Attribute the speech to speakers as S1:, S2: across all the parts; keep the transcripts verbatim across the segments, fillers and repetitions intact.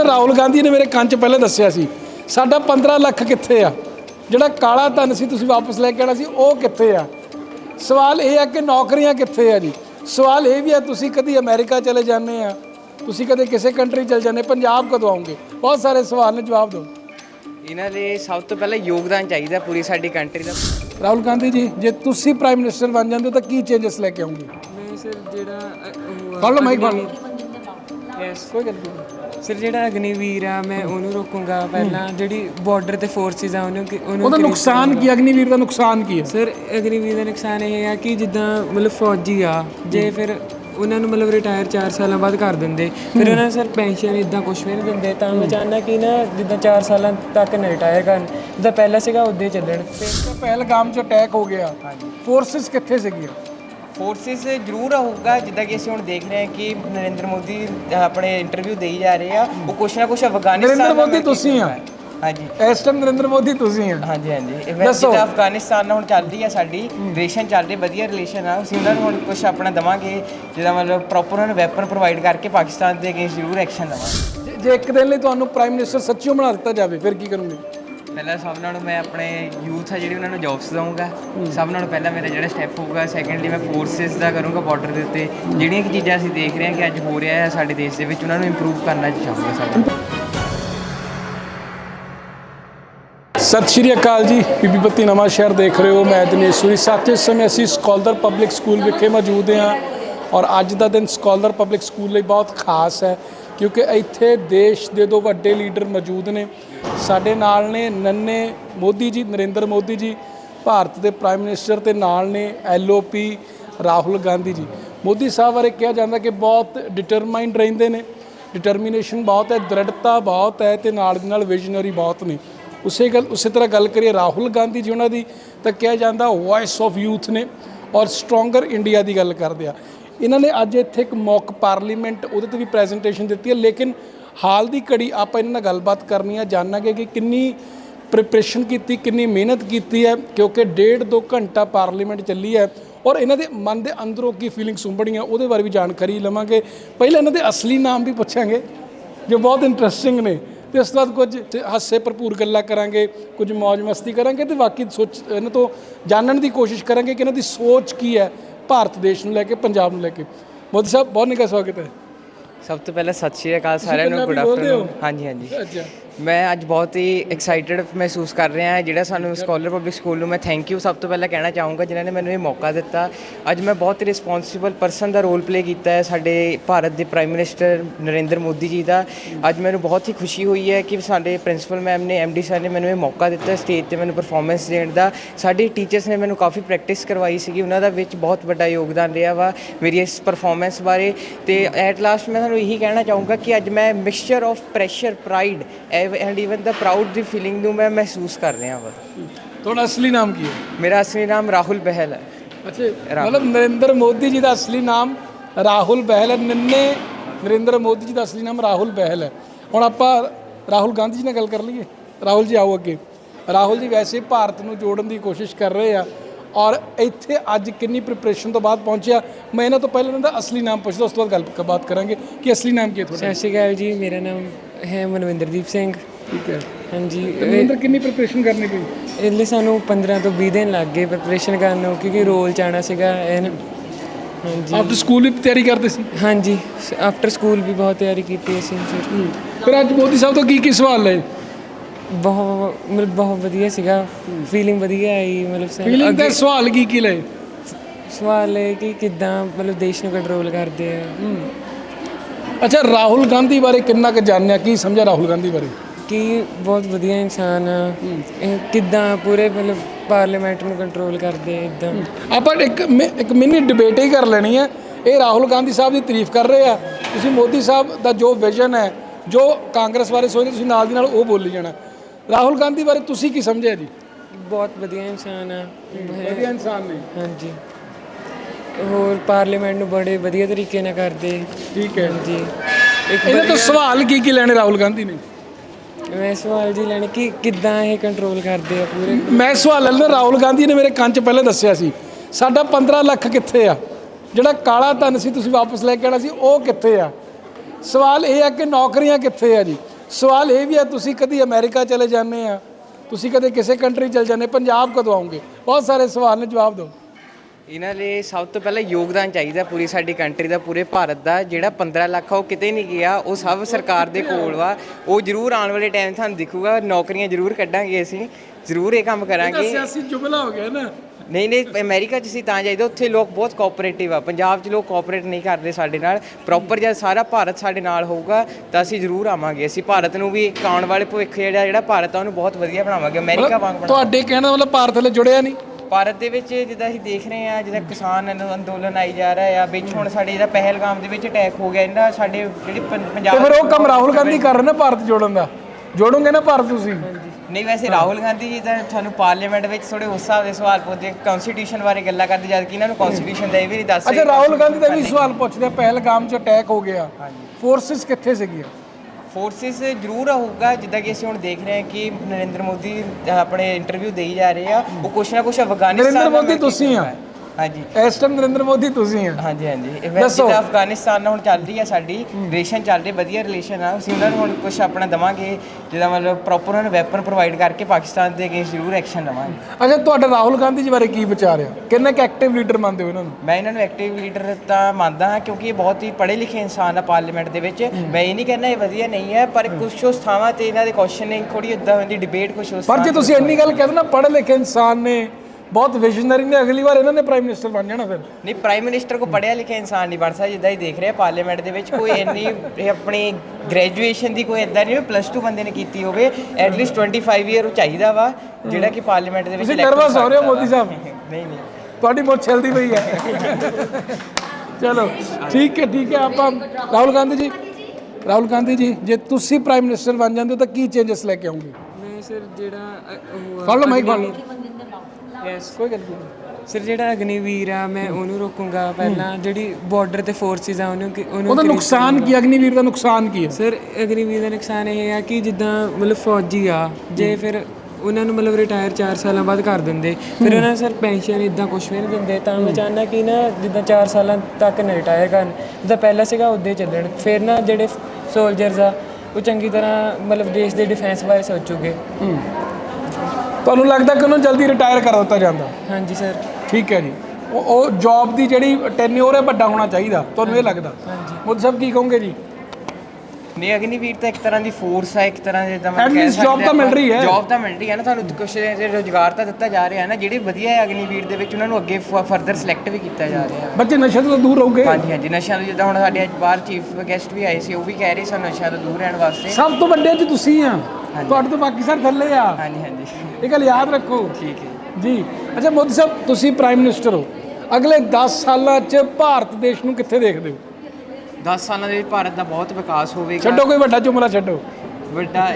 S1: ਰਾਹੁਲ ਗਾਂਧੀ ਨੇ ਮੇਰੇ ਕੰਨ 'ਚ ਪਹਿਲਾਂ ਦੱਸਿਆ ਸੀ ਸਾਡਾ ਪੰਦਰਾਂ ਲੱਖ ਕਿੱਥੇ ਆ, ਜਿਹੜਾ ਕਾਲਾ ਧਨ ਸੀ ਤੁਸੀਂ ਵਾਪਸ ਲੈ ਕੇ ਆਉਣਾ ਸੀ ਉਹ ਕਿੱਥੇ ਆ। ਸਵਾਲ ਇਹ ਹੈ ਕਿ ਨੌਕਰੀਆਂ ਕਿੱਥੇ ਆ ਜੀ। ਸਵਾਲ ਇਹ ਵੀ ਹੈ ਤੁਸੀਂ ਕਦੀ ਅਮਰੀਕਾ ਚਲੇ ਜਾਂਦੇ ਆ, ਤੁਸੀਂ ਕਦੇ ਕਿਸੇ ਕੰਟਰੀ ਚਲੇ ਜਾਂਦੇ, ਪੰਜਾਬ ਕਦੋਂ ਆਉਂਗੇ। ਬਹੁਤ ਸਾਰੇ ਸਵਾਲ ਨੇ, ਜਵਾਬ ਦਿਓ।
S2: ਇਹਨਾਂ ਦੇ ਸਭ ਤੋਂ ਪਹਿਲਾਂ ਯੋਗਦਾਨ ਚਾਹੀਦਾ ਪੂਰੀ ਸਾਡੀ ਕੰਟਰੀ ਦਾ।
S1: ਰਾਹੁਲ ਗਾਂਧੀ ਜੀ, ਜੇ ਤੁਸੀਂ ਪ੍ਰਾਈਮ ਮਿਨਿਸਟਰ ਬਣ ਜਾਂਦੇ ਹੋ ਤਾਂ ਕੀ ਚੇਂਜਸ ਲੈ ਕੇ ਆਉਂਗੇ।
S3: ਮੈਂ ਸਰ ਜਿਹੜਾ
S1: ਫੜ ਲਓ ਮਾਈਕ, ਫੜ ਲਓ।
S3: ਯੈਸ
S1: ਕੋਈ ਗੱਲ ਨਹੀਂ
S3: ਸਰ, ਜਿਹੜਾ ਅਗਨੀਵੀਰ ਆ ਮੈਂ ਉਹਨੂੰ ਰੋਕੂੰਗਾ ਪਹਿਲਾਂ। ਜਿਹੜੀ ਬਾਰਡਰ ਤੇ ਫੋਰਸਿਸ ਆ ਉਹਨੂੰ ਕਿ- ਉਹਨੂੰ
S1: ਉਹਦਾ ਨੁਕਸਾਨ ਕੀ, ਅਗਨੀਵੀਰ ਦਾ ਨੁਕਸਾਨ ਕੀ ਹੈ।
S3: ਸਰ ਅਗਨੀਵੀਰ ਦਾ ਨੁਕਸਾਨ ਇਹ ਆ ਕਿ ਜਿੱਦਾਂ ਮਤਲਬ ਫੌਜੀ ਆ, ਜੇ ਫਿਰ ਉਹਨਾਂ ਨੂੰ ਮਤਲਬ ਰਿਟਾਇਰ ਚਾਰ ਸਾਲਾਂ ਬਾਅਦ ਕਰ ਦਿੰਦੇ, ਫਿਰ ਉਹਨਾਂ ਨੂੰ ਸਰ ਪੈਨਸ਼ਨ ਇੱਦਾਂ ਕੁਛ ਵੀ ਨਹੀਂ ਦਿੰਦੇ। ਤਾਂ ਮੈਂ ਚਾਹੁੰਦਾ ਕਿ ਨਾ ਜਿੱਦਾਂ ਚਾਰ ਸਾਲਾਂ ਤੱਕ ਨਾ ਰਿਟਾਇਰ ਕਰਨ, ਜਿੱਦਾਂ ਪਹਿਲਾਂ ਸੀਗਾ ਉੱਦਾਂ ਹੀ ਚੱਲਣ।
S1: ਫਿਰ ਪਹਿਲਗਾਮ 'ਚ ਅਟੈਕ ਹੋ ਗਿਆ, ਫੋਰਸਿਸ ਕਿੱਥੇ ਸੀਗੀਆਂ।
S2: ਫੋਰਸਿਸ ਜ਼ਰੂਰ ਹੋਊਗਾ, ਜਿੱਦਾਂ ਕਿ ਅਸੀਂ ਹੁਣ ਦੇਖ ਰਹੇ ਹਾਂ ਕਿ ਨਰਿੰਦਰ ਮੋਦੀ ਆਪਣੇ ਇੰਟਰਵਿਊ ਦੇਈ ਜਾ ਰਹੇ ਆ, ਉਹ ਕੁਛ ਨਾ ਕੁਛ ਅਫਗਾਨਿਸਤਾਨ
S1: ਨਰਿੰਦਰ ਮੋਦੀ ਤੁਸੀਂ ਆ।
S2: ਹਾਂਜੀ,
S1: ਇਸ ਟਾਈਮ ਨਰਿੰਦਰ ਮੋਦੀ ਤੁਸੀਂ ਆ।
S2: ਹਾਂਜੀ ਹਾਂਜੀ ਜਿੱਦਾਂ ਅਫਗਾਨਿਸਤਾਨ ਨਾਲ ਹੁਣ ਚੱਲ ਰਹੀ ਆ ਸਾਡੀ ਰਿਲੇਸ਼ਨ ਚੱਲ ਰਹੀ, ਵਧੀਆ ਰਿਲੇਸ਼ਨ ਆ। ਅਸੀਂ ਉਹਨਾਂ ਨੂੰ ਹੁਣ ਕੁਛ ਆਪਣਾ ਦੇਵਾਂਗੇ, ਜਿਹਦਾ ਮਤਲਬ ਪ੍ਰੋਪਰ ਉਹਨਾਂ ਨੂੰ ਵੈਪਨ ਪ੍ਰੋਵਾਈਡ ਕਰਕੇ ਪਾਕਿਸਤਾਨ ਦੇ ਅਗੇਂਸਟ ਜ਼ਰੂਰ ਐਕਸ਼ਨ ਦੇਵਾਂਗੇ।
S1: ਜੇ ਇੱਕ ਦਿਨ ਲਈ ਤੁਹਾਨੂੰ ਪ੍ਰਾਈਮ ਮਿਨਿਸਟਰ ਸੱਚੀਓ ਬਣਾ ਦਿੱਤਾ ਜਾਵੇ ਫਿਰ ਕੀ ਕਰੋਗੇ।
S2: ਪਹਿਲਾਂ ਸਭ ਨਾਲੋਂ ਮੈਂ ਆਪਣੇ ਯੂਥ ਆ ਜਿਹੜੀ ਉਹਨਾਂ ਨੂੰ ਜੌਬਸ ਦਊਂਗਾ। ਸਭ ਨਾਲੋਂ ਪਹਿਲਾਂ ਮੇਰਾ ਜਿਹੜਾ ਸਟੈਪ ਹੋਊਗਾ। ਸੈਕੰਡਲੀ ਮੈਂ ਫੋਰਸਿਸ ਦਾ ਕਰੂੰਗਾ ਬਾਰਡਰ ਦੇ ਉੱਤੇ। ਜਿਹੜੀਆਂ ਕਿ ਚੀਜ਼ਾਂ ਅਸੀਂ ਦੇਖ ਰਹੇ ਹਾਂ ਕਿ ਅੱਜ ਹੋ ਰਿਹਾ ਹੈ ਸਾਡੇ ਦੇਸ਼ ਦੇ ਵਿੱਚ, ਉਹਨਾਂ ਨੂੰ ਇੰਪਰੂਵ ਕਰਨਾ ਚਾਹੂੰਗਾ ਸਾਡਾ।
S1: ਸਤਿ ਸ਼੍ਰੀ ਅਕਾਲ ਜੀ, ਬੀਬੀ ਬੱਤੀ ਨਵਾਂ ਸ਼ਹਿਰ ਦੇਖ ਰਹੇ ਹੋ। ਮੈਂ ਦਿਨੇਸ਼ ਸੂਰੀ। ਸਾਥੀਓ, ਇਸ ਸਮੇਂ ਅਸੀਂ ਸਕਾਲਰ ਪਬਲਿਕ ਸਕੂਲ ਵਿਖੇ ਮੌਜੂਦ ਹਾਂ ਔਰ ਅੱਜ ਦਾ ਦਿਨ ਸਕਾਲਰ ਪਬਲਿਕ ਸਕੂਲ ਲਈ ਬਹੁਤ ਖਾਸ ਹੈ ਕਿਉਂਕਿ ਇੱਥੇ ਦੇਸ਼ ਦੇ ਦੋ ਵੱਡੇ ਲੀਡਰ ਮੌਜੂਦ ਨੇ। ਸਾਡੇ ਨਾਲ ਨੇ ਨੰਨੇ ਮੋਦੀ ਜੀ, ਨਰਿੰਦਰ ਮੋਦੀ ਜੀ, ਭਾਰਤ ਦੇ ਪ੍ਰਾਈਮ ਮਿਨਿਸਟਰ, ਤੇ ਨਾਲ ਨੇ L O P Rahul Gandhi ji. Modi ਸਾਹਿਬ ਬਾਰੇ ਕਿਹਾ ਜਾਂਦਾ ਕਿ ਬਹੁਤ ਡਿਟਰਮਾਈਂਡ ਰਹਿੰਦੇ ਨੇ, ਡਿਟਰਮੀਨੇਸ਼ਨ ਬਹੁਤ ਹੈ, ਦ੍ਰਿੜਤਾ ਬਹੁਤ ਹੈ, ਤੇ ਨਾਲ ਦੀ ਨਾਲ ਵਿਜ਼ਨਰੀ ਬਹੁਤ ਨੇ। ਉਸੇ ਗੱਲ ਉਸੇ ਤਰ੍ਹਾਂ ਗੱਲ ਕਰੀਏ ਰਾਹੁਲ ਗਾਂਧੀ ਜੀ ਉਹਨਾਂ ਦੀ, ਤਾਂ ਕਿਹਾ ਜਾਂਦਾ ਵੌਇਸ ਆਫ ਯੂਥ ਨੇ ਔਰ ਸਟਰੋਂਗਰ ਇੰਡੀਆ ਦੀ ਗੱਲ ਕਰਦੇ ਆ। ਇਹਨਾਂ ਨੇ ਅੱਜ ਇੱਥੇ ਇੱਕ ਮੌਕ ਪਾਰਲੀਮੈਂਟ, ਉਹਦੇ 'ਤੇ ਵੀ ਪ੍ਰੈਜੈਂਟੇਸ਼ਨ ਦਿੱਤੀ ਹੈ। ਲੇਕਿਨ ਹਾਲ ਦੀ ਘੜੀ ਆਪਾਂ ਇਹਨਾਂ ਨਾਲ ਗੱਲਬਾਤ ਕਰਨੀ ਆ, ਜਾਣਾਂਗੇ ਕਿ ਕਿੰਨੀ ਪ੍ਰਿਪਰੇਸ਼ਨ ਕੀਤੀ, ਕਿੰਨੀ ਮਿਹਨਤ ਕੀਤੀ ਹੈ, ਕਿਉਂਕਿ ਡੇਢ ਦੋ ਘੰਟਾ ਪਾਰਲੀਮੈਂਟ ਚੱਲੀ ਹੈ ਔਰ ਇਹਨਾਂ ਦੇ ਮਨ ਦੇ ਅੰਦਰੋਂ ਕੀ ਫੀਲਿੰਗ ਸੁੰਬੜੀਆਂ ਉਹਦੇ ਬਾਰੇ ਵੀ ਜਾਣਕਾਰੀ ਲਵਾਂਗੇ। ਪਹਿਲਾਂ ਇਹਨਾਂ ਦੇ ਅਸਲੀ ਨਾਮ ਵੀ ਪੁੱਛਾਂਗੇ ਜੋ ਬਹੁਤ ਇੰਟਰਸਟਿੰਗ ਨੇ, ਤੇ ਉਸ ਤੋਂ ਬਾਅਦ ਕੁਝ ਹਾਸੇ ਭਰਪੂਰ ਗੱਲਾਂ ਕਰਾਂਗੇ, ਕੁਝ ਮौज ਮਸਤੀ ਕਰਾਂਗੇ, ਤੇ ਬਾਕੀ ਸੋਚ ਇਹਨਾਂ ਤੋਂ ਜਾਣਨ ਦੀ ਕੋਸ਼ਿਸ਼ ਕਰਾਂਗੇ ਕਿ ਇਹਨਾਂ ਦੀ ਸੋਚ ਕੀ ਹੈ ਭਾਰਤ ਦੇਸ਼ ਨੂੰ ਲੈ ਕੇ, ਪੰਜਾਬ ਨੂੰ ਲੈ ਕੇ। ਮੋਦੀ ਸਾਹਿਬ, ਬਹੁਤ ਨਿੱਘਾ ਸਵਾਗਤ ਹੈ।
S2: ਸਭ ਤੋਂ ਪਹਿਲਾਂ ਸਤਿ ਸ਼੍ਰੀ ਅਕਾਲ ਸਾਰਿਆਂ ਨੂੰ, ਗੁੱਡ ਆਫਟਰਨੂਨ। ਹਾਂਜੀ ਹਾਂਜੀ
S1: ਅੱਛਾ,
S2: ਮੈਂ ਅੱਜ ਬਹੁਤ ਹੀ ਐਕਸਾਈਟਡ ਮਹਿਸੂਸ ਕਰ ਰਿਹਾ। ਜਿਹੜਾ ਸਾਨੂੰ ਸਕਾਲਰ ਪਬਲਿਕ ਸਕੂਲ ਨੂੰ ਮੈਂ ਥੈਂਕ ਯੂ ਸਭ ਤੋਂ ਪਹਿਲਾਂ ਕਹਿਣਾ ਚਾਹੂੰਗਾ, ਜਿਨ੍ਹਾਂ ਨੇ ਮੈਨੂੰ ਇਹ ਮੌਕਾ ਦਿੱਤਾ। ਅੱਜ ਮੈਂ ਬਹੁਤ ਹੀ ਰਿਸਪੌਂਸਿਬਲ ਪਰਸਨ ਦਾ ਰੋਲ ਪਲੇ ਕੀਤਾ ਹੈ ਸਾਡੇ ਭਾਰਤ ਦੇ ਪ੍ਰਾਈਮ ਮਿਨਿਸਟਰ ਨਰਿੰਦਰ ਮੋਦੀ ਜੀ ਦਾ। ਅੱਜ ਮੈਨੂੰ ਬਹੁਤ ਹੀ ਖੁਸ਼ੀ ਹੋਈ ਹੈ ਕਿ ਸਾਡੇ ਪ੍ਰਿੰਸੀਪਲ ਮੈਮ ਨੇ, ਐਮ ਡੀ ਸਰ ਨੇ ਮੈਨੂੰ ਇਹ ਮੌਕਾ ਦਿੱਤਾ ਸਟੇਜ 'ਤੇ ਮੈਨੂੰ ਪਰਫੋਰਮੈਂਸ ਦੇਣ ਦਾ। ਸਾਡੇ ਟੀਚਰਸ ਨੇ ਮੈਨੂੰ ਕਾਫੀ ਪ੍ਰੈਕਟਿਸ ਕਰਵਾਈ ਸੀਗੀ, ਉਹਨਾਂ ਦਾ ਵਿੱਚ ਬਹੁਤ ਵੱਡਾ ਯੋਗਦਾਨ ਰਿਹਾ ਵਾ ਮੇਰੀ ਇਸ ਪਰਫੋਰਮੈਂਸ ਬਾਰੇ। ਅਤੇ ਐਟ ਲਾਸਟ ਮੈਂ ਤੁਹਾਨੂੰ ਇਹੀ ਕਹਿਣਾ ਚਾਹੂੰਗਾ ਕਿ ਅੱਜ ਮੈਂ mixture of pressure, pride and even ਦਾ ਪ੍ਰਾਊਡ ਦੀ ਫੀਲਿੰਗ ਨੂੰ ਮੈਂ ਮਹਿਸੂਸ ਕਰ ਰਿਹਾ ਵਾ।
S1: ਤੁਹਾਡਾ ਅਸਲੀ ਨਾਮ ਕੀ ਹੈ।
S2: ਮੇਰਾ ਅਸਲੀ ਨਾਮ ਰਾਹੁਲ ਬਹਿਲ ਹੈ।
S1: ਅੱਛਾ, ਮਤਲਬ ਨਰਿੰਦਰ ਮੋਦੀ ਜੀ ਦਾ ਅਸਲੀ ਨਾਮ ਰਾਹੁਲ ਬਹਿਲ ਹੈ। ਨੰਨੇ ਨਰਿੰਦਰ ਮੋਦੀ ਜੀ ਦਾ ਅਸਲੀ ਨਾਮ ਰਾਹੁਲ ਬਹਿਲ ਹੈ। ਹੁਣ ਆਪਾਂ ਰਾਹੁਲ ਗਾਂਧੀ ਜੀ ਨਾਲ ਗੱਲ ਕਰ ਲਈਏ। ਰਾਹੁਲ ਜੀ ਆਓ ਅੱਗੇ। ਰਾਹੁਲ ਜੀ ਵੈਸੇ ਭਾਰਤ ਨੂੰ ਜੋੜਨ ਦੀ ਕੋਸ਼ਿਸ਼ ਕਰ ਰਹੇ ਆ ਔਰ ਇੱਥੇ ਅੱਜ ਕਿੰਨੀ ਪ੍ਰਿਪਰੇਸ਼ਨ ਤੋਂ ਬਾਅਦ ਪਹੁੰਚਿਆ। ਮੈਂ ਇਹਨਾਂ ਤੋਂ ਪਹਿਲਾਂ ਇਹਨਾਂ ਦਾ ਅਸਲੀ ਨਾਮ ਪੁੱਛਦਾ, ਉਸ ਤੋਂ ਬਾਅਦ ਗੱਲਬਾਤ ਕਰਾਂਗੇ ਕਿ ਅਸਲੀ ਨਾਮ ਕੀ ਹੈ ਤੁਹਾਡਾ।
S3: ਸਤਿ ਸ਼੍ਰੀ ਅਕਾਲ ਜੀ, ਮੇਰਾ ਨਾਮ ਹੈ ਮਨਵਿੰਦਰਦੀਪ ਸਿੰਘ।
S1: ਠੀਕ ਹੈ।
S3: ਹਾਂਜੀ,
S1: ਮਨਵਿੰਦਰ, ਕਿੰਨੀ ਪ੍ਰਿਪਰੇਸ਼ਨ ਕਰਨੀ ਪਈ।
S3: ਇਹਦੇ ਲਈ ਸਾਨੂੰ ਪੰਦਰਾਂ ਤੋਂ ਵੀਹ ਦਿਨ ਲੱਗ ਗਏ ਪ੍ਰਿਪਰੇਸ਼ਨ ਕਰਨ ਨੂੰ, ਕਿਉਂਕਿ ਰੋਲ 'ਚ ਆਉਣਾ ਸੀਗਾ। ਇਹ ਹਾਂਜੀ,
S1: ਆਫਟਰ ਸਕੂਲ ਵੀ ਤਿਆਰੀ ਕਰਦੇ ਸੀ।
S3: ਹਾਂਜੀ, ਆਫਟਰ ਸਕੂਲ ਵੀ ਬਹੁਤ ਤਿਆਰੀ ਕੀਤੀ ਅਸੀਂ।
S1: ਫਿਰ ਅੱਜ ਮੋਦੀ ਸਾਹਿਬ ਤੋਂ ਕੀ ਕੀ ਸਵਾਲ ਲਏ।
S3: ਬਹੁਤ ਮਤਲਬ ਬਹੁਤ ਵਧੀਆ ਸੀਗਾ, ਫੀਲਿੰਗ ਵਧੀਆ ਆਈ। ਮਤਲਬ
S1: ਫੀਲਿੰਗ ਦੇ ਸਵਾਲ ਕੀ ਕੀ ਲਏ।
S3: ਸਵਾਲ ਇਹ ਕਿ ਕਿੱਦਾਂ ਮਤਲਬ ਦੇਸ਼ ਨੂੰ ਕੰਟਰੋਲ ਕਰਦੇ ਆ।
S1: ਅੱਛਾ, ਰਾਹੁਲ ਗਾਂਧੀ ਬਾਰੇ ਕਿੰਨਾ ਕੁ ਜਾਣਿਆ, ਕੀ ਸਮਝਿਆ ਰਾਹੁਲ ਗਾਂਧੀ ਬਾਰੇ।
S3: ਕਿ ਬਹੁਤ ਵਧੀਆ ਇਨਸਾਨ ਆ, ਇਹ ਕਿੱਦਾਂ ਪੂਰੇ ਮਤਲਬ ਪਾਰਲੀਮੈਂਟ ਨੂੰ ਕੰਟਰੋਲ ਕਰਦੇ ਇੱਦਾਂ। ਆਪਾਂ
S1: ਇੱਕ ਇੱਕ ਮਿੰਨੀ ਡਿਬੇਟ ਹੀ ਕਰ ਲੈਣੀ ਹੈ। ਇਹ ਰਾਹੁਲ ਗਾਂਧੀ ਸਾਹਿਬ ਦੀ ਤਾਰੀਫ ਕਰ ਰਹੇ ਆ, ਤੁਸੀਂ ਮੋਦੀ ਸਾਹਿਬ ਦਾ ਜੋ ਵਿਜ਼ਨ ਹੈ, ਜੋ ਕਾਂਗਰਸ ਬਾਰੇ ਸੋਚਦੇ, ਤੁਸੀਂ ਨਾਲ ਦੀ ਨਾਲ ਉਹ ਬੋਲੀ ਜਾਣਾ। ਰਾਹੁਲ ਗਾਂਧੀ ਬਾਰੇ ਤੁਸੀਂ ਕੀ ਸਮਝਿਆ ਜੀ।
S3: ਬਹੁਤ ਵਧੀਆ ਇਨਸਾਨ ਆ,
S1: ਵਧੀਆ ਇਨਸਾਨ ਨੇ।
S3: ਹਾਂਜੀ, ਹੋਰ ਪਾਰਲੀਮੈਂਟ ਨੂੰ ਬੜੇ ਵਧੀਆ ਤਰੀਕੇ ਨਾਲ ਕਰਦੇ।
S1: ਠੀਕ ਹੈ
S3: ਜੀ। ਇੱਕ
S1: ਇਹਨਾਂ ਤੋਂ ਸਵਾਲ ਕੀ ਕੀ ਲੈਣੇ ਰਾਹੁਲ ਗਾਂਧੀ ਨੇ।
S3: ਮੈਂ ਸਵਾਲ ਜੀ ਲੈਣੇ ਕਿ ਕਿੱਦਾਂ ਇਹ ਕੰਟਰੋਲ ਕਰਦੇ ਆ ਪੂਰੇ।
S1: ਮੈਂ ਸਵਾਲ ਲੈਣਾ, ਰਾਹੁਲ ਗਾਂਧੀ ਨੇ ਮੇਰੇ ਕੰਨ 'ਚ ਪਹਿਲਾਂ ਦੱਸਿਆ ਸੀ ਸਾਡਾ ਪੰਦਰਾਂ ਲੱਖ ਕਿੱਥੇ ਆ, ਜਿਹੜਾ ਕਾਲਾ ਧਨ ਸੀ ਤੁਸੀਂ ਵਾਪਸ ਲੈ ਕੇ ਆਉਣਾ ਸੀ ਉਹ ਕਿੱਥੇ ਆ। ਸਵਾਲ ਇਹ ਹੈ ਕਿ ਨੌਕਰੀਆਂ ਕਿੱਥੇ ਆ ਜੀ। ਸਵਾਲ ਇਹ ਵੀ ਹੈ, ਤੁਸੀਂ ਕਦੀ ਅਮਰੀਕਾ ਚਲੇ ਜਾਂਦੇ ਆ, ਤੁਸੀਂ ਕਦੇ ਕਿਸੇ ਕੰਟਰੀ ਚਲੇ ਜਾਂਦੇ, ਪੰਜਾਬ ਕਦੋਂ ਆਉਂਗੇ? ਬਹੁਤ ਸਾਰੇ ਸਵਾਲ ਨੇ, ਜਵਾਬ ਦਿਓ।
S2: ਇਹਨਾਂ ਲਈ ਸਭ ਤੋਂ ਪਹਿਲਾਂ ਯੋਗਦਾਨ ਚਾਹੀਦਾ ਪੂਰੀ ਸਾਡੀ ਕੰਟਰੀ ਦਾ, ਪੂਰੇ ਭਾਰਤ ਦਾ। ਜਿਹੜਾ ਪੰਦਰਾਂ ਲੱਖ ਆ ਉਹ ਕਿਤੇ ਨਹੀਂ ਗਿਆ, ਉਹ ਸਭ ਸਰਕਾਰ ਦੇ ਕੋਲ ਵਾ। ਉਹ ਜ਼ਰੂਰ ਆਉਣ ਵਾਲੇ ਟਾਈਮ ਤੁਹਾਨੂੰ ਦਿਖੂਗਾ, ਨੌਕਰੀਆਂ ਜ਼ਰੂਰ ਕੱਢਾਂਗੇ ਅਸੀਂ, ਜ਼ਰੂਰ ਇਹ ਕੰਮ ਕਰਾਂਗੇ।
S1: ਸਿਆਸੀ ਜੁਮਲਾ ਹੋ ਗਿਆ ਨਾ।
S2: ਨਹੀਂ ਨਹੀਂ, ਅਮਰੀਕਾ 'ਚ ਅਸੀਂ ਤਾਂ ਜਾਈਦਾ, ਉੱਥੇ ਲੋਕ ਬਹੁਤ ਕੋਆਪਰੇਟਿਵ ਆ। ਪੰਜਾਬ 'ਚ ਲੋਕ ਕੋਆਪਰੇਟ ਨਹੀਂ ਕਰਦੇ ਸਾਡੇ ਨਾਲ ਪ੍ਰੋਪਰ। ਜਦ ਸਾਰਾ ਭਾਰਤ ਸਾਡੇ ਨਾਲ ਹੋਊਗਾ ਤਾਂ ਅਸੀਂ ਜ਼ਰੂਰ ਆਵਾਂਗੇ। ਅਸੀਂ ਭਾਰਤ ਨੂੰ ਵੀ ਇੱਕ ਆਉਣ ਵਾਲੇ ਭਵਿੱਖ ਜਿਹੜਾ ਜਿਹੜਾ ਭਾਰਤ ਆ ਉਹਨੂੰ ਬਹੁਤ ਵਧੀਆ ਬਣਾਵਾਂਗੇ, ਅਮਰੀਕਾ ਵਾਂਗ ਬਣਾ।
S1: ਤੁਹਾਡੇ ਕਹਿਣ ਦਾ ਮਤਲਬ ਭਾਰਤ ਨਾਲ ਜੁੜਿਆ ਨਹੀਂ?
S2: ਭਾਰਤ ਦੇ ਵਿੱਚ ਜਿੱਦਾਂ ਅਸੀਂ ਦੇਖ ਰਹੇ ਹਾਂ, ਜਿੱਦਾਂ ਕਿਸਾਨ ਅੰਦ- ਅੰਦੋਲਨ ਆਈ ਜਾ ਰਿਹਾ ਆ ਵਿੱਚ, ਹੁਣ ਸਾਡੇ ਜਿਹੜਾ ਪਹਿਲਗਾਮ ਦੇ ਵਿੱਚ ਅਟੈਕ ਹੋ ਗਿਆ ਇਹਨਾਂ ਸਾਡੇ ਜਿਹੜੀ ਪੰ- ਪੰਜਾਬ।
S1: ਤੇ ਫਿਰ ਉਹ ਕੰਮ ਰਾਹੁਲ ਗਾਂਧੀ ਕਰ ਰਹੇ ਨੇ ਭਾਰਤ ਜੋੜਨ ਦਾ, ਜੋੜੋਗੇ ਨਾ ਭਾਰਤ ਤੁਸੀਂ?
S2: ਨਹੀਂ, ਵੈਸੇ ਰਾਹੁਲ ਗਾਂਧੀ ਜੀ ਤਾਂ ਤੁਹਾਨੂੰ ਪਾਰਲੀਮੈਂਟ ਵਿੱਚ ਥੋੜੇ ਉਸ ਹਿਸਾਬ ਦੇ ਸਵਾਲ ਪੁੱਛਦੇ, ਕਨਸਟੀਟਿਊਸ਼ਨ ਬਾਰੇ ਗੱਲਾਂ ਕਰਦੇ, ਜਦ ਕਿ ਇਹਨਾਂ ਨੂੰ ਕਨਸਟੀਟਿਊਸ਼ਨ ਦਾ ਇਹ ਵੀ ਨਹੀਂ ਦੱਸ
S1: ਅੱਛਾ, ਰਾਹੁਲ ਗਾਂਧੀ ਦਾ ਵੀ ਸਵਾਲ ਪੁੱਛਦੇ ਆ, ਪਹਿਲਗਾਮ 'ਚ ਅਟੈਕ ਹੋ ਗਿਆ, ਫੋਰਸਿਸ ਕਿੱਥੇ ਸੀਗੀਆਂ?
S2: ਫੋਰਸਿਸ ਜ਼ਰੂਰ ਹੋਊਗਾ, ਜਿੱਦਾਂ ਕਿ ਅਸੀਂ ਹੁਣ ਦੇਖ ਰਹੇ ਹਾਂ ਕਿ ਨਰਿੰਦਰ ਮੋਦੀ ਆਪਣੇ ਇੰਟਰਵਿਊ ਦੇਈ ਜਾ ਰਹੇ ਆ, ਉਹ ਕੁਛ ਨਾ ਕੁਛ ਅਫਗਾਨਿਸਤਾਨ
S1: ਨਰਿੰਦਰ
S2: ਨਾਲ
S1: ਮੋਦੀ
S2: ਮਿਲ ਕੇ
S1: ਤੁਸੀਂ ਆ?
S2: ਕੀਤਾ ਹੈ। ਹਾਂਜੀ,
S1: ਇਸ ਟਾਈਮ ਨਰਿੰਦਰ ਮੋਦੀ ਤੁਸੀਂ ਆ?
S2: ਹਾਂਜੀ ਹਾਂਜੀ। ਇਹ ਵੈਸੇ ਜਿੱਦਾਂ ਅਫਗਾਨਿਸਤਾਨ ਨਾਲ ਹੁਣ ਚੱਲ ਰਹੀ ਆ ਸਾਡੀ ਰਿਲੇਸ਼ਨ, ਚੱਲ ਰਹੀ ਵਧੀਆ ਰਿਲੇਸ਼ਨ ਆ। ਅਸੀਂ ਉਹਨਾਂ ਨੂੰ ਹੁਣ ਕੁਝ ਆਪਣਾ ਦੇਵਾਂਗੇ, ਜਿਹਦਾ ਮਤਲਬ ਪ੍ਰੋਪਰ ਉਹਨਾਂ ਨੂੰ ਵੈਪਨ ਪ੍ਰੋਵਾਈਡ ਕਰਕੇ ਪਾਕਿਸਤਾਨ ਦੇ ਅਗੇਂਸਟ ਜ਼ਰੂਰ ਐਕਸ਼ਨ ਲਵਾਂਗੇ।
S1: ਅੱਛਾ, ਤੁਹਾਡਾ ਰਾਹੁਲ ਗਾਂਧੀ ਜੀ ਬਾਰੇ ਕੀ ਵਿਚਾਰ ਆ? ਕਿੰਨੇ ਕੁ ਐਕਟਿਵ ਲੀਡਰ ਮੰਨਦੇ ਹੋ ਇਹਨਾਂ ਨੂੰ?
S2: ਮੈਂ ਇਹਨਾਂ ਨੂੰ ਐਕਟਿਵ ਲੀਡਰ ਤਾਂ ਮੰਨਦਾ ਹਾਂ, ਕਿਉਂਕਿ ਇਹ ਬਹੁਤ ਹੀ ਪੜ੍ਹੇ ਲਿਖੇ ਇਨਸਾਨ ਆ ਪਾਰਲੀਮੈਂਟ ਦੇ ਵਿੱਚ। ਮੈਂ ਇਹ ਨਹੀਂ ਕਹਿੰਦਾ ਇਹ ਵਧੀਆ ਨਹੀਂ ਹੈ, ਪਰ ਕੁਛ ਉਸ ਥਾਵਾਂ ਤੇ ਇਹਨਾਂ ਦੇ ਕੁਐਸਚਨਿੰਗ ਥੋੜੀ ਇਦਾਂ ਹੁੰਦੀ, ਡਿਬੇਟ ਕੁਛ ਉਸ।
S1: ਪਰ ਜੇ ਤੁਸੀਂ ਇੰਨੀ ਗੱਲ ਕਹਿੰਦੇ ਨਾ, ਪੜ੍ਹੇ ਲਿਖੇ ਇਨਸਾਨ ਨੇ, ਬਹੁਤ ਵਿਜ਼ਨਰੀ ਨੇ, ਅਗਲੀ ਵਾਰ ਇਹਨਾਂ ਨੇ ਪ੍ਰਾਈਮ ਮਿਨਿਸਟਰ ਬਣ ਜਾਣਾ ਫਿਰ।
S2: ਨਹੀਂ, ਪ੍ਰਾਈਮ ਮਿਨਿਸਟਰ ਕੋ ਪੜ੍ਹਿਆ ਲਿਖਿਆ ਇਨਸਾਨ ਨਹੀਂ ਬਣ ਸਕਦਾ। ਜਿੱਦਾਂ ਹੀ ਦੇਖ ਰਿਹਾ ਪਾਰਲੀਮੈਂਟ ਦੇ ਵਿੱਚ ਕੋਈ ਇੰਨੀ ਇਹ ਆਪਣੀ ਗ੍ਰੈਜੂਏਸ਼ਨ ਦੀ ਕੋਈ ਇਦਾਂ ਨਹੀਂ ਪਲੱਸ ਟੂ ਬੰਦੇ ਨੇ ਕੀਤੀ ਹੋਵੇ, ਐਟਲੀਸਟ ਪੱਚੀ ਈਅਰ ਉਹ ਚਾਹੀਦਾ ਵਾ, ਜਿਹੜਾ ਕਿ ਪਾਰਲੀਮੈਂਟ ਦੇ ਵਿੱਚ।
S1: ਤੁਸੀਂ ਨਰਵਸ ਹੋ ਰਹੇ ਹੋ ਮੋਦੀ ਸਾਹਿਬ?
S2: ਨਹੀਂ ਨਹੀਂ,
S1: ਤੁਹਾਡੀ ਮੁੱਛ ਛਿਲਦੀ ਪਈ ਹੈ। ਚਲੋ ਠੀਕ ਹੈ, ਠੀਕ ਹੈ। ਆਪਾਂ ਰਾਹੁਲ ਗਾਂਧੀ ਜੀ, ਰਾਹੁਲ ਗਾਂਧੀ ਜੀ, ਜੇ ਤੁਸੀਂ ਪ੍ਰਾਈਮ ਮਿਨਿਸਟਰ ਬਣ ਜਾਂਦੇ ਹੋ ਤਾਂ ਕੀ ਚੇਂਜਸ ਲੈ ਕੇ ਆਉਂਗੇ?
S3: ਮੈਂ ਸਰ ਜਿਹੜਾ ਅ, ਉਹ
S1: ਫੜ ਲਓ ਮਾਈਕ, ਫੜ ਲਓ।
S3: ਯੈਸ
S1: ਕੋਈ ਗੱਲ ਨਹੀਂ
S3: ਸਰ, ਜਿਹੜਾ ਅਗਨੀਵੀਰ ਆ ਮੈਂ ਉਹਨੂੰ ਰੋਕੂੰਗਾ ਪਹਿਲਾਂ। ਜਿਹੜੀ ਬਾਰਡਰ ਤੇ ਫੋਰਸਿਸ ਆ ਉਹਨੂੰ ਕਿ- ਉਹਨੂੰ
S1: ਉਹਦਾ ਨੁਕਸਾਨ ਕੀ? ਅਗਨੀਵੀਰ ਦਾ ਨੁਕਸਾਨ ਕੀ ਹੈ?
S3: ਸਰ, ਅਗਨੀਵੀਰ ਦਾ ਨੁਕਸਾਨ ਇਹ ਆ ਕਿ ਜਿੱਦਾਂ ਮਤਲਬ ਫੌਜੀ ਆ, ਜੇ ਫਿਰ ਉਹਨਾਂ ਨੂੰ ਮਤਲਬ ਰਿਟਾਇਰ ਚਾਰ ਸਾਲਾਂ ਬਾਅਦ ਕਰ ਦਿੰਦੇ, ਫਿਰ ਉਹਨਾਂ ਨੂੰ ਸਰ ਪੈਨਸ਼ਨ ਇਦਾਂ ਕੁਛ ਵੀ ਨਹੀਂ ਦਿੰਦੇ। ਤਾਂ ਮੈਂ ਚਾਹੁੰਦਾ ਕਿ ਨਾ ਜਿੱਦਾਂ ਚਾਰ ਸਾਲਾਂ ਤੱਕ ਨਾ ਰਿਟਾਇਰ ਕਰਨ, ਜਿੱਦਾਂ ਪਹਿਲਾਂ ਸੀਗਾ ਉੱਦਾਂ ਹੀ ਚੱਲਣ। ਫਿਰ ਨਾ ਜਿਹੜੇ ਸੋਲਜਰਸ ਆ ਉਹ ਚੰਗੀ ਤਰ੍ਹਾਂ ਮਤਲਬ ਦੇਸ਼ ਦੇ ਡਿਫੈਂਸ ਬਾਰੇ ਸੋਚੂਗੇ।
S1: ਤੁਹਾਨੂੰ ਲੱਗਦਾ ਕਿ ਉਹਨੂੰ ਜਲਦੀ ਰਿਟਾਇਰ ਕਰ ਦਿੱਤਾ ਜਾਂਦਾ?
S3: ਹਾਂਜੀ ਸਰ।
S1: ਠੀਕ ਹੈ ਜੀ। ਉਹ ਉਹ ਜੌਬ ਦੀ ਜਿਹੜੀ ਟੈਨਿਓਰ ਹੈ ਵੱਡਾ ਹੋਣਾ ਚਾਹੀਦਾ, ਤੁਹਾਨੂੰ ਇਹ ਲੱਗਦਾ?
S3: ਹਾਂਜੀ।
S1: ਮੋਦੀ ਸਾਹਿਬ ਕੀ ਕਹੋਗੇ ਜੀ?
S2: ਨਹੀਂ, ਅਗਨੀਵੀਰ ਤਾਂ ਇੱਕ ਤਰ੍ਹਾਂ ਦੀ ਫੋਰਸ ਹੈ, ਇੱਕ ਤਰ੍ਹਾਂ ਦੇ ਤਾਂ
S1: At least job ਤਾਂ ਮਿਲ ਰਹੀ ਹੈ।
S2: ਜੌਬ ਤਾਂ ਮਿਲ ਰਹੀ ਹੈ ਨਾ, ਤੁਹਾਨੂੰ ਕੁਛ ਰੋਜ਼ਗਾਰ ਤਾਂ ਦਿੱਤਾ ਜਾ ਰਿਹਾ ਹੈ ਨਾ। ਜਿਹੜੇ ਵਧੀਆ ਹੈ ਅਗਨੀਵੀਰ ਦੇ ਵਿੱਚ ਉਹਨਾਂ ਨੂੰ ਅੱਗੇ ਫਰਦਰ ਸਿਲੈਕਟ ਵੀ ਕੀਤਾ ਜਾ ਰਿਹਾ ਹੈ।
S1: ਬੱਚੇ ਨਸ਼ੇ ਤੋਂ ਦੂਰ ਰਹੋਗੇ?
S2: ਹਾਂਜੀ ਹਾਂਜੀ, ਨਸ਼ਿਆਂ ਤੋਂ ਜਿੱਦਾਂ ਹੁਣ ਸਾਡੇ ਅੱਜ ਬਾਹਰ ਚੀਫ ਗੈਸਟ ਵੀ ਆਏ ਸੀ, ਉਹ ਵੀ ਕਹਿ ਰਹੇ ਸਾਨੂੰ ਨਸ਼ਿਆਂ ਤੋਂ ਦੂਰ ਰਹਿਣ ਵਾਸਤੇ।
S1: ਸਭ ਤੋਂ ਵੱਡੇ ਜੀ ਤੁਸੀਂ ਆ, ਤੁਹਾਡੇ ਤੋਂ ਬਾਕੀ ਸਾਰੇ ਥੱਲੇ ਆ।
S2: ਹਾਂਜੀ ਹਾਂਜੀ,
S1: ਇਹ ਗੱਲ ਯਾਦ ਰੱਖੋ।
S2: ਠੀਕ ਹੈ
S1: ਜੀ। ਅੱਛਾ ਮੋਦੀ ਸਾਹਿਬ, ਤੁਸੀਂ ਪ੍ਰਾਈਮ ਮਿਨਿਸਟਰ ਹੋ, ਅਗਲੇ ਦਸ ਸਾਲਾਂ 'ਚ ਭਾਰਤ ਦੇਸ਼ ਨੂੰ ਕਿੱਥੇ ਦੇਖਦੇ ਹੋ?
S2: ਦਸ ਸਾਲਾਂ ਦੇ ਵਿੱਚ ਭਾਰਤ ਦਾ ਬਹੁਤ ਵਿਕਾਸ ਹੋਵੇਗਾ।
S1: ਛੱਡੋ ਕੋਈ ਵੱਡਾ ਜੁਮਲਾ, ਛੱਡੋ।
S2: ਵੱਡਾ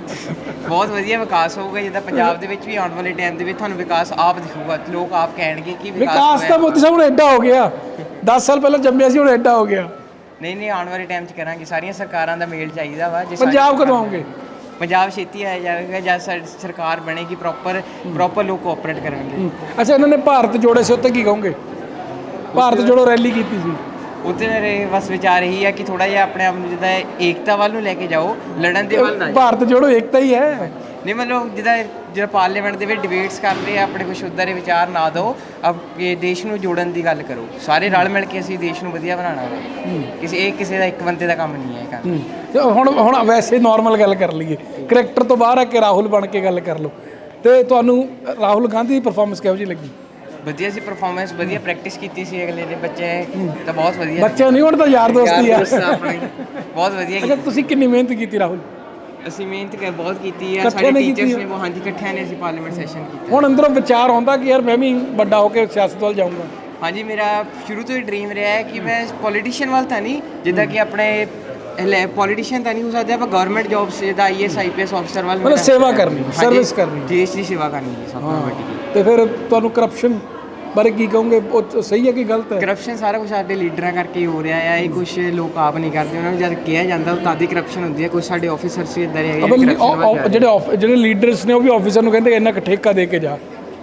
S2: ਬਹੁਤ ਵਧੀਆ ਵਿਕਾਸ ਹੋਊਗਾ। ਜਿੱਦਾਂ ਪੰਜਾਬ ਦੇ ਵਿੱਚ ਵੀ ਆਉਣ ਵਾਲੇ ਟਾਈਮ ਦੇ ਵਿੱਚ ਤੁਹਾਨੂੰ ਵਿਕਾਸ ਆਪ ਦਿਖੂਗਾ, ਲੋਕ ਆਪ ਕਹਿਣਗੇ ਕਿ
S1: ਵਿਕਾਸ ਤਾਂ ਮੋਦੀ ਸਾਹਿਬ ਹੁਣ ਐਡਾ ਹੋ ਗਿਆ, ਦਸ ਸਾਲ ਪਹਿਲਾਂ ਜੰਮਿਆ ਸੀ, ਹੁਣ ਐਡਾ ਹੋ ਗਿਆ।
S2: ਨਹੀਂ ਨਹੀਂ, ਆਉਣ ਵਾਲੇ ਟਾਈਮ 'ਚ ਕਰਾਂਗੇ। ਸਾਰੀਆਂ ਸਰਕਾਰਾਂ ਦਾ ਮੇਲ ਚਾਹੀਦਾ ਵਾ। ਜੇ
S1: ਪੰਜਾਬ ਕਦੋਂ ਆਉਂਗੇ?
S2: ਪੰਜਾਬ ਛੇਤੀ ਆਇਆ ਜਾਵੇਗਾ ਜਦ ਸਾਡੀ ਸਰਕਾਰ ਬਣੇਗੀ, ਪ੍ਰੋਪਰ ਪ੍ਰੋਪਰ ਲੋਕ ਕੋਆਪਰੇਟ ਕਰਨਗੇ।
S1: ਅੱਛਾ, ਇਹਨਾਂ ਨੇ ਭਾਰਤ ਜੋੜੇ ਸੀ, ਉੱਤੇ ਕੀ ਕਹੋਗੇ? ਭਾਰਤ ਜੋੜੋ ਰੈਲੀ ਕੀਤੀ ਸੀ,
S2: ਉੱਥੇ ਮੇਰੇ ਬਸ ਵਿਚਾਰ ਇਹੀ ਹੈ ਕਿ ਥੋੜਾ ਜਿਹਾ ਆਪਣੇ ਆਪ ਨੂੰ ਜਿੱਦਾਂ ਏਕਤਾ ਵੱਲ ਨੂੰ ਲੈ ਕੇ ਜਾਓ, ਲੜਨ ਦੇ ਵੱਲ ਨਾ ਜਾਓ।
S1: ਭਾਰਤ ਜੋੜੋ ਏਕਤਾ ਹੀ ਹੈ।
S2: ਨਹੀਂ, ਮਤਲਬ ਜਿੱਦਾਂ ਜਿਹੜਾ ਪਾਰਲੀਮੈਂਟ ਦੇ ਵਿੱਚ ਡਿਬੇਟਸ ਕਰਦੇ ਆ, ਆਪਣੇ ਕੁਛ ਉੱਦਾਂ ਦੇ ਵਿਚਾਰ ਨਾ ਦਿਓ, ਅਬ ਇਹ ਦੇਸ਼ ਨੂੰ ਜੋੜਨ ਦੀ ਗੱਲ ਕਰੋ। ਸਾਰੇ ਰਲ ਮਿਲ ਕੇ ਅਸੀਂ ਦੇਸ਼ ਨੂੰ ਵਧੀਆ ਬਣਾਉਣਾ ਵਾ। ਕਿਸੇ ਇਹ ਕਿਸੇ ਦਾ ਇੱਕ ਬੰਦੇ ਦਾ ਕੰਮ ਨਹੀਂ ਹੈ ਕੰਮ।
S1: ਤੇ ਹੁਣ ਹੁਣ ਵੈਸੇ ਨਾਰਮਲ ਗੱਲ ਕਰ ਲਈਏ, ਕਰੈਕਟਰ ਤੋਂ ਬਾਹਰ ਆ ਕੇ ਰਾਹੁਲ ਬਣ ਕੇ ਗੱਲ ਕਰ ਲਓ। ਤੇ ਤੁਹਾਨੂੰ ਰਾਹੁਲ ਗਾਂਧੀ ਦੀ ਪਰਫਾਰਮੈਂਸ ਕਿਹੋ ਜਿਹੀ ਲੱਗੀ?
S2: ਵਧੀਆ ਸੀ ਪਰਫਾਰਮੈਂਸ, ਵਧੀਆ ਪ੍ਰੈਕਟਿਸ ਕੀਤੀ ਸੀ ਅਗਲੇ ਦੇ ਬੱਚੇ ਤਾਂ ਬਹੁਤ ਵਧੀਆ।
S1: ਬੱਚੇ ਨਹੀਂ, ਹੁਣ ਤਾਂ ਯਾਰ ਦੋਸਤੀ ਆ।
S2: ਬਹੁਤ ਵਧੀਆ।
S1: ਅੱਛਾ, ਤੁਸੀਂ ਕਿੰਨੀ ਮਿਹਨਤ ਕੀਤੀ ਰਾਹੁਲ?
S2: ਅਸੀਂ ਮਿਹਨਤ ਕਰ ਬਹੁਤ ਕੀਤੀ ਆ, ਸਾਡੇ ਟੀਚਰਸ ਨੇ ਬਹੁਤ। ਹਾਂਜੀ, ਇਕੱਠਿਆਂ ਨੇ ਅਸੀਂ ਪਾਰਲੀਮੈਂਟ ਸੈਸ਼ਨ ਕੀਤਾ।
S1: ਹੁਣ ਅੰਦਰੋਂ ਵਿਚਾਰ ਆਉਂਦਾ ਕਿ ਯਾਰ ਮੈਂ ਵੀ ਵੱਡਾ ਹੋ ਕੇ ਸਿਆਸਤ ਵੱਲ ਜਾਊਂਗਾ?
S2: ਹਾਂਜੀ, ਮੇਰਾ ਸ਼ੁਰੂ ਤੋਂ ਹੀ ਡ੍ਰੀਮ ਰਿਹਾ ਹੈ ਕਿ ਮੈਂ ਪੋਲੀਟੀਸ਼ੀਅਨ ਵੱਲ ਤਾਂ ਨਹੀਂ, ਜਿੱਦਾਂ ਕਿ ਆਪਣੇ ਪੋਲੀਟੀਸ਼ੀਅਨ ਤਾਂ ਨਹੀਂ ਹੋ ਸਕਦਾ, ਪਰ ਗਵਰਨਮੈਂਟ ਜੌਬਸ ਜਿੱਦਾਂ ਆਈ ਏਐਸ ਆਈਪੀਐਸ ਅਫਸਰ ਵੱਲ
S1: ਮਤਲਬ ਸੇਵਾ ਕਰਨੀ, ਸਰਵਿਸ ਕਰਨੀ,
S2: ਦੇਸ਼ ਦੀ ਸੇਵਾ ਕਰਨੀ ਹੈ ਸਭ ਤੋਂ ਵੱਡੀ।
S1: ਤੇ ਫਿਰ ਤੁਹਾਨੂੰ ਕਰਪਸ਼ਨ ਬਾਰੇ ਕੀ ਕਹੋਗੇ? ਉਹ ਸਹੀ ਹੈ ਕਿ ਗਲਤ ਹੈ?
S2: ਕਰਪਸ਼ਨ ਸਾਰਾ ਕੁਝ ਸਾਡੇ ਲੀਡਰਾਂ ਕਰਕੇ ਹੀ ਹੋ ਰਿਹਾ ਹੈ। ਇਹ ਕੁਝ ਲੋਕ ਆਪ ਨਹੀਂ ਕਰਦੇ, ਉਹਨਾਂ ਨੂੰ ਜਦ ਕਿਹਾ ਜਾਂਦਾ ਤਾਂ ਦੀ ਕਰਪਸ਼ਨ ਹੁੰਦੀ ਹੈ। ਕੁਝ ਸਾਡੇ ਆਫੀਸਰਸ ਵੀ ਇਦਾਂ ਦੇ ਹੈਗੇ
S1: ਜਿਹੜੇ ਜਿਹੜੇ ਲੀਡਰਸ ਨੇ ਉਹ ਵੀ ਆਫੀਸਰ ਨੂੰ ਕਹਿੰਦੇ ਇੰਨਾ ਠੇਕਾ ਦੇ ਕੇ ਜਾ,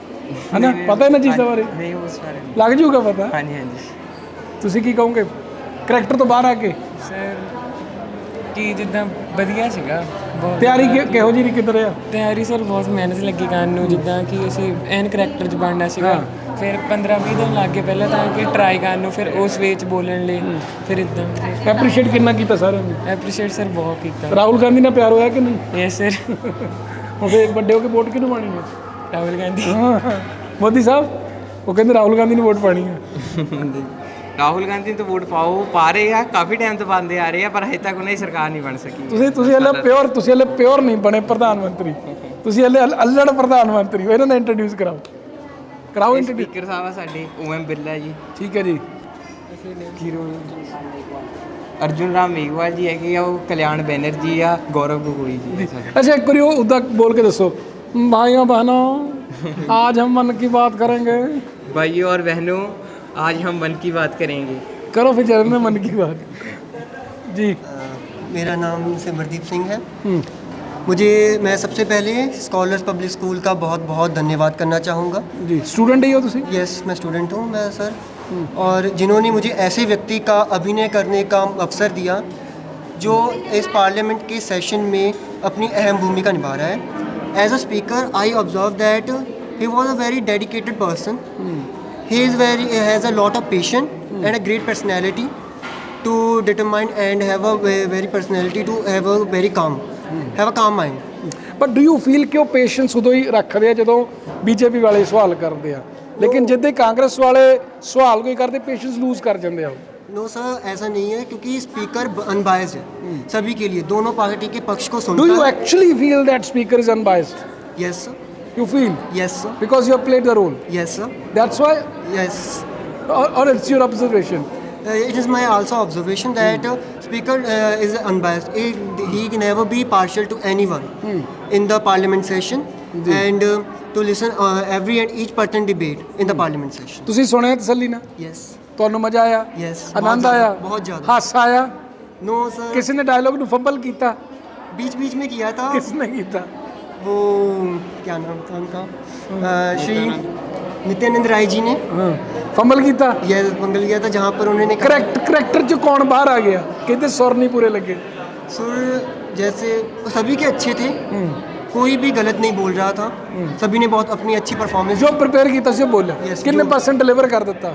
S1: ਹਨਾ? ਪਤਾ ਇਹਨਾਂ ਚੀਜ਼ਾਂ ਬਾਰੇ?
S2: ਨਹੀਂ, ਉਸ ਬਾਰੇ
S1: ਲੱਗ ਜੂਗਾ ਪਤਾ।
S2: ਹਾਂਜੀ ਹਾਂਜੀ।
S1: ਤੁਸੀਂ ਕੀ ਕਹੋਗੇ ਕਰੈਕਟਰ ਤੋਂ ਬਾਹਰ ਆ ਕੇ?
S3: ਸਰ, ਬਾਕੀ ਜਿੱਦਾਂ ਵਧੀਆ ਸੀਗਾ ਬਹੁਤ
S1: ਤਿਆਰੀ ਕਿ- ਕਿਹੋ ਜਿਹੀ ਕਿੱਧਰ ਆ?
S3: ਤਿਆਰੀ ਸਰ ਬਹੁਤ ਮਿਹਨਤ ਲੱਗੀ ਕਰਨ ਨੂੰ, ਜਿੱਦਾਂ ਕਿ ਅਸੀਂ ਐਨ ਕਰੈਕਟਰ 'ਚ ਬਣਨਾ ਸੀਗਾ। ਫਿਰ ਪੰਦਰਾਂ ਵੀਹ ਦਿਨ ਲੱਗ ਗਏ ਪਹਿਲਾਂ ਤਾਂ ਕਿ ਟਰਾਈ ਕਰਨ ਨੂੰ, ਫਿਰ ਉਸ ਵੇ 'ਚ ਬੋਲਣ ਲਈ, ਫਿਰ ਇੱਦਾਂ
S1: ਐਪਰੀਸ਼ੀਏਟ ਕਿੰਨਾ ਕੀਤਾ ਸਾਰਿਆਂ ਨੇ?
S3: ਐਪਰੀਸ਼ੀਏਟ ਸਰ ਬਹੁਤ ਕੀਤਾ।
S1: ਰਾਹੁਲ ਗਾਂਧੀ ਨਾਲ ਪਿਆਰ ਹੋਇਆ ਕਿ ਨਹੀਂ?
S3: Yes sir.
S1: ਹੁਣ ਫਿਰ ਵੱਡੇ ਹੋ ਕੇ ਵੋਟ ਕਿਹਨੂੰ ਪਾਣੀ ਹੈ?
S3: ਰਾਹੁਲ ਗਾਂਧੀ।
S1: ਹਾਂ ਮੋਦੀ ਸਾਹਿਬ ਉਹ ਕਹਿੰਦੇ ਰਾਹੁਲ ਗਾਂਧੀ ਨੂੰ ਵੋਟ ਪਾਣੀ ਹੈ।
S2: ਰਾਹੁਲ ਗਾਂਧੀ ਤੋਂ ਵੋਟ ਪਾਓ, ਪਾ ਰਹੇ ਆ, ਕਾਫੀ ਟਾਈਮ ਤੋਂ ਪਾਉਂਦੇ ਆ ਰਹੇ ਆ, ਪਰ ਹਜੇ ਤੱਕ ਉਹਨਾਂ ਦੀ ਸਰਕਾਰ ਨਹੀਂ ਬਣ ਸਕੀ।
S1: ਤੁਸੀਂ ਤੁਸੀਂ ਹਲੇ ਪਿਓਰ ਤੁਸੀਂ ਹਲੇ ਪਿਓਰ ਨਹੀਂ ਬਣੇ ਪ੍ਰਧਾਨ ਮੰਤਰੀ, ਤੁਸੀਂ ਹਲੇ ਅਲ- ਅਲੜ ਪ੍ਰਧਾਨ ਮੰਤਰੀ ਹੋ। ਇਹਨਾਂ ਨੂੰ ਇੰਟਰੋਡਿਊਸ ਕਰਾਓ ਕਰਾਓ ਇੰਟਰੋਡਿਊਸ।
S2: ਸਪੀਕਰ ਸਾਹਿਬ ਆ ਸਾਡੇ ਓ ਐਮ ਬਿਰਲਾ ਜੀ,
S1: ਠੀਕ ਹੈ ਜੀ।
S2: ਅਰਜੁਨ ਰਾਮ ਮੇਘਵਾਲ ਜੀ ਹੈਗੇ ਆ, ਉਹ ਕਲਿਆਣ ਬੈਨਰਜੀ ਆ, ਗੌਰਵ ਗਗੋਈ ਜੀ।
S1: अच्छा एक बारी वो उदा बोल के दसो, भाइयों बहनों आज हम मन की बात करेंगे।
S2: भाइयों और बहनों, आज हम मन की बात करेंगे।
S1: करो फिर चरण में मन की बात जी।
S4: मेरा नाम सिमरदीप सिंह है।
S1: हम्म,
S4: मुझे मैं सबसे पहले स्कॉलर्स पब्लिक स्कूल का बहुत बहुत धन्यवाद करना चाहूँगा।
S1: जी स्टूडेंट ही हो तुसी?
S4: यस, मैं स्टूडेंट हूँ मैं सर, और जिन्होंने मुझे ऐसे व्यक्ति का अभिनय करने का अवसर दिया जो इस पार्लियामेंट के सेशन में अपनी अहम भूमिका निभा रहा है। As a speaker I observe that he was a very dedicated person. He is very has a lot of patience and a great personality to determine and have a ve- very personality to have a very calm have a calm mind।
S1: But do you feel ਕਿ ਉਹ patience ਉਦੋਂ ਹੀ ਰੱਖਦੇ ਆ ਜਦੋਂ BJP ਵਾਲੇ ਸਵਾਲ ਕਰਦੇ ਆ, ਲੇਕਿਨ ਜਿੱਦੇ ਕਾਂਗਰਸ ਵਾਲੇ ਸਵਾਲ ਕੋਈ ਕਰਦੇ ਪੇਸ਼ੈਂਸ ਲੂਜ਼ ਕਰ ਜਾਂਦੇ ਆ?
S4: नो सर, ऐसा नहीं है, क्योंकि स्पीकर अनबायस्ड है सभी के लिए, दोनों पार्टी के पक्ष को
S1: डू
S4: सुनता
S1: यू
S4: है।
S1: Actually feel that speaker is unbiased?
S4: Yes sir,
S1: you feel
S4: yes sir,
S1: because you have played the role,
S4: yes sir,
S1: that's why,
S4: yes.
S1: और it's your observation?
S4: It is my also observation that uh, speaker uh, is unbiased. He, he can never be partial to anyone in the parliament session and uh, to listen uh, every and each pertinent debate in the parliament session।
S1: ਤੁਸੀਂ ਸੁਣਿਆ ਤਸੱਲੀ ਨਾਲ?
S4: Yes,
S1: ਤੁਹਾਨੂੰ ਮਜ਼ਾ ਆਇਆ?
S4: yes,
S1: ਆਨੰਦ
S4: बहुत
S1: ਆਇਆ?
S4: ज़्यादा, बहुत ज़्यादा।
S1: ਹਾਸਾ ਆਇਆ?
S4: No sir,
S1: ਕਿਸੇ ਨੇ ਡਾਇਲੌਗ ਨੂੰ ਫੰਬਲ ਕੀਤਾ?
S4: बीच बीच में किया था
S1: किस ने ਕੀਤਾ?
S4: वो, क्या नाम था उनका, uh, श्री नित्यानंद राय जी ने
S1: ਹਾਂ ਫੰਬਲ ਕੀਤਾ?
S4: यह मंगल किया था, जहाँ पर उन्होंने कहा-
S1: ਕਰੈਕਟ ਕਰੈਕਟਰ ਚ ਕੌਣ ਬਾਹਰ ਆ ਗਿਆ? ਕਹਿੰਦੇ ਸੁਰ ਨਹੀਂ ਪੂਰੇ ਲੱਗੇ।
S4: सुर जैसे सभी के अच्छे थे, कोई भी गलत नहीं बोल रहा था, सभी ने बहुत अपनी अच्छी परफॉर्मेंस।
S1: ਜੋ ਪ੍ਰਪੇਅਰ ਕੀਤਾ ਸੀ ਉਹ ਬੋਲਿਆ।
S4: Yes,
S1: ਕਿੰਨੇ
S4: ਜੋ-
S1: ਪਰਸੈਂਟ ਡਿਲੀਵਰ ਕਰ ਦਿੱਤਾ?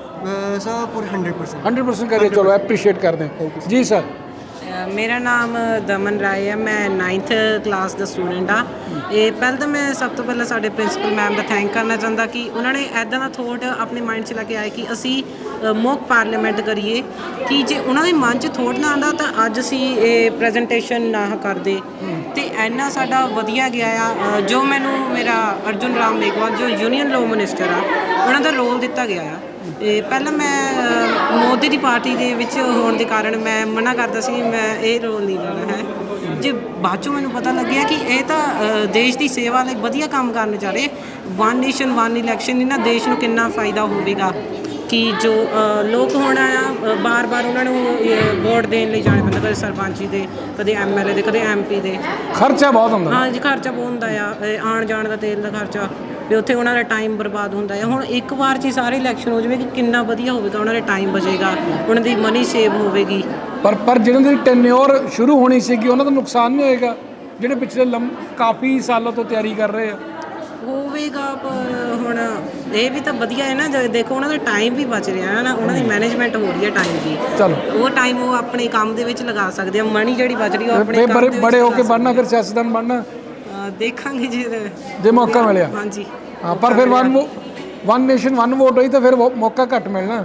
S4: सर पूरे हंड्रेड परसेंट।
S1: हंड्रेड परसेंट करिए, चलो अप्रिशिएट करते हैं जी सर।
S5: ਅ, ਮੇਰਾ ਨਾਮ ਦਮਨ ਰਾਏ ਹੈ, ਮੈਂ ਨਾਈਨਥ ਕਲਾਸ ਦਾ ਸਟੂਡੈਂਟ ਆ। ਇਹ ਪਹਿਲਾਂ ਤਾਂ ਮੈਂ ਸਭ ਤੋਂ ਪਹਿਲਾਂ ਸਾਡੇ ਪ੍ਰਿੰਸੀਪਲ ਮੈਮ ਦਾ ਥੈਂਕ ਕਰਨਾ ਚਾਹੁੰਦਾ ਕਿ ਉਹਨਾਂ ਨੇ ਐਦਾਂ ਦਾ ਥੋਟ ਆਪਣੇ ਮਾਈਂਡ 'ਚ ਲੈ ਕੇ ਆਏ ਕਿ ਅਸੀਂ ਮੌਕ ਪਾਰਲੀਮੈਂਟ ਕਰੀਏ, ਕਿ ਜੇ ਉਹਨਾਂ ਦੇ ਮਨ 'ਚ ਥੋਟ ਨਾ ਆਉਂਦਾ ਤਾਂ ਅੱਜ ਅਸੀਂ ਇਹ ਪ੍ਰੈਜੈਂਟੇਸ਼ਨ ਨਾ ਕਰਦੇ। ਤੇ ਇੰਨਾ ਸਾਡਾ ਵਧੀਆ ਗਿਆ ਆ। ਅ, ਜੋ ਮੈਨੂੰ ਮੇਰਾ ਅਰਜੁਨ ਰਾਮ ਮੇਘਵਾਲ ਜੋ ਯੂਨੀਅਨ ਲੋ ਮਿਨਿਸਟਰ ਆ, ਉਹਨਾਂ ਦਾ ਰੋਲ ਦਿੱਤਾ ਗਿਆ ਆ। ਇਹ ਪਹਿਲਾਂ ਮੈਂ ਅ, ਮੋਦੀ ਦੀ ਪਾਰਟੀ ਦੇ ਵਿੱਚ ਹੋਣ ਦੇ ਕਾਰਨ ਮੈਂ ਮਨਾ ਕਰਦਾ ਸੀ, ਮੈਂ ਇਹ ਰੋਲ ਨਹੀਂ ਲੈਣਾ ਹੈ। ਜੇ ਬਾਅਦ 'ਚੋਂ ਮੈਨੂੰ ਪਤਾ ਲੱਗਿਆ ਕਿ ਇਹ ਤਾਂ ਅ, ਦੇਸ਼ ਦੀ ਸੇਵਾ ਲਈ ਵਧੀਆ ਕੰਮ ਕਰਨ ਜਾ ਰਹੇ। ਵਨ ਨੇਸ਼ਨ ਵਨ ਇਲੈਕਸ਼ਨ ਇਹਨਾਂ ਦੇਸ਼ ਨੂੰ ਕਿੰਨਾ ਫਾਇਦਾ ਹੋਵੇਗਾ ਕਿ ਜੋ ਅ, ਲੋਕ ਹੁਣ ਆ ਬਾਰ-ਬਾਰ ਉਹਨਾਂ ਨੂੰ ਅ, ਵੋਟ ਦੇਣ ਲਈ ਜਾਣੇ ਪੈਂਦਾ, ਕਦੇ ਸਰਪੰਚੀ ਦੇ, ਕਦੇ ਐਮ ਐਲ ਏ ਦੇ, ਕਦੇ ਐਮ ਪੀ ਦੇ।
S1: ਖਰਚਾ ਬਹੁਤ ਹੁੰਦਾ।
S5: ਹਾਂ ਜੀ, ਖਰਚਾ ਬਹੁਤ ਹੁੰਦਾ ਆ, ਇਹ ਆਉਣ ਜਾਣ ਦਾ, ਤੇਲ ਦਾ ਖਰਚਾ, ਵੀ ਉੱਥੇ ਉਹਨਾਂ ਦਾ ਟਾਈਮ ਬਰਬਾਦ ਹੁੰਦਾ ਹੈ। ਹੁਣ ਇੱਕ ਵਾਰ 'ਚ ਹੀ ਸਾਰੇ ਇਲੈਕਸ਼ਨ ਹੋ ਜਾਵੇ ਕਿ ਕਿੰਨਾ ਵਧੀਆ ਹੋਵੇਗਾ, ਉਹਨਾਂ ਦਾ ਟਾਈਮ ਬਚੇਗਾ, ਉਹਨਾਂ ਦੀ ਮਨੀ ਸੇਵ ਹੋਵੇਗੀ।
S1: ਪਰ ਪਰ ਜਿਹਨਾਂ ਦੀ ਟੈਨਿਓਰ ਸ਼ੁਰੂ ਹੋਣੀ ਸੀਗੀ ਉਹਨਾਂ ਦਾ ਨੁਕਸਾਨ ਨਹੀਂ ਹੋਏਗਾ, ਜਿਹੜੇ ਪਿਛਲੇ ਲੰਮ ਕਾਫੀ ਸਾਲਾਂ ਤੋਂ ਤਿਆਰੀ ਕਰ ਰਹੇ ਆ?
S5: ਹੋਵੇਗਾ, ਪਰ ਹੁਣ ਇਹ ਵੀ ਤਾਂ ਵਧੀਆ ਹੈ ਨਾ, ਜੇ ਦੇਖੋ ਉਹਨਾਂ ਦਾ ਟਾਈਮ ਵੀ ਬਚ ਰਿਹਾ ਹੈ ਨਾ, ਉਹਨਾਂ ਦੀ ਮੈਨੇਜਮੈਂਟ ਹੋ ਰਹੀ ਹੈ ਟਾਈਮ ਦੀ।
S1: ਚਲੋ
S5: ਉਹ ਟਾਈਮ ਉਹ ਆਪਣੇ ਕੰਮ ਦੇ ਵਿੱਚ ਲਗਾ ਸਕਦੇ ਆ, ਮਨੀ ਜਿਹੜੀ ਬਚ ਰਹੀ ਉਹ ਆਪਣੇ
S1: ਫਿਰ
S5: ਕੰਮ
S1: ਬੜੇ
S5: ਦੇ ਵਿੱਚ
S1: ਬੜੇ ਹੋ
S5: ਲਗਾ
S1: ਕੇ
S5: ਸਕਦੇ
S1: ਬਣਨਾ, ਫਿਰ ਸਿਆਸਤਦਾਨ ਬਣਨਾ
S5: ਆ। ਦੇਖਾਂਗੇ ਜੇ
S1: ਜੇ ਮੌਕਾ ਮਿਲਿਆ।
S5: ਹਾਂਜੀ
S1: ਹਾਂ, ਪਰ ਫਿਰ one one nation one vote ਹੋਈ ਤਾਂ ਫਿਰ ਉਹ ਮੌਕਾ ਘੱਟ ਮਿਲਣਾ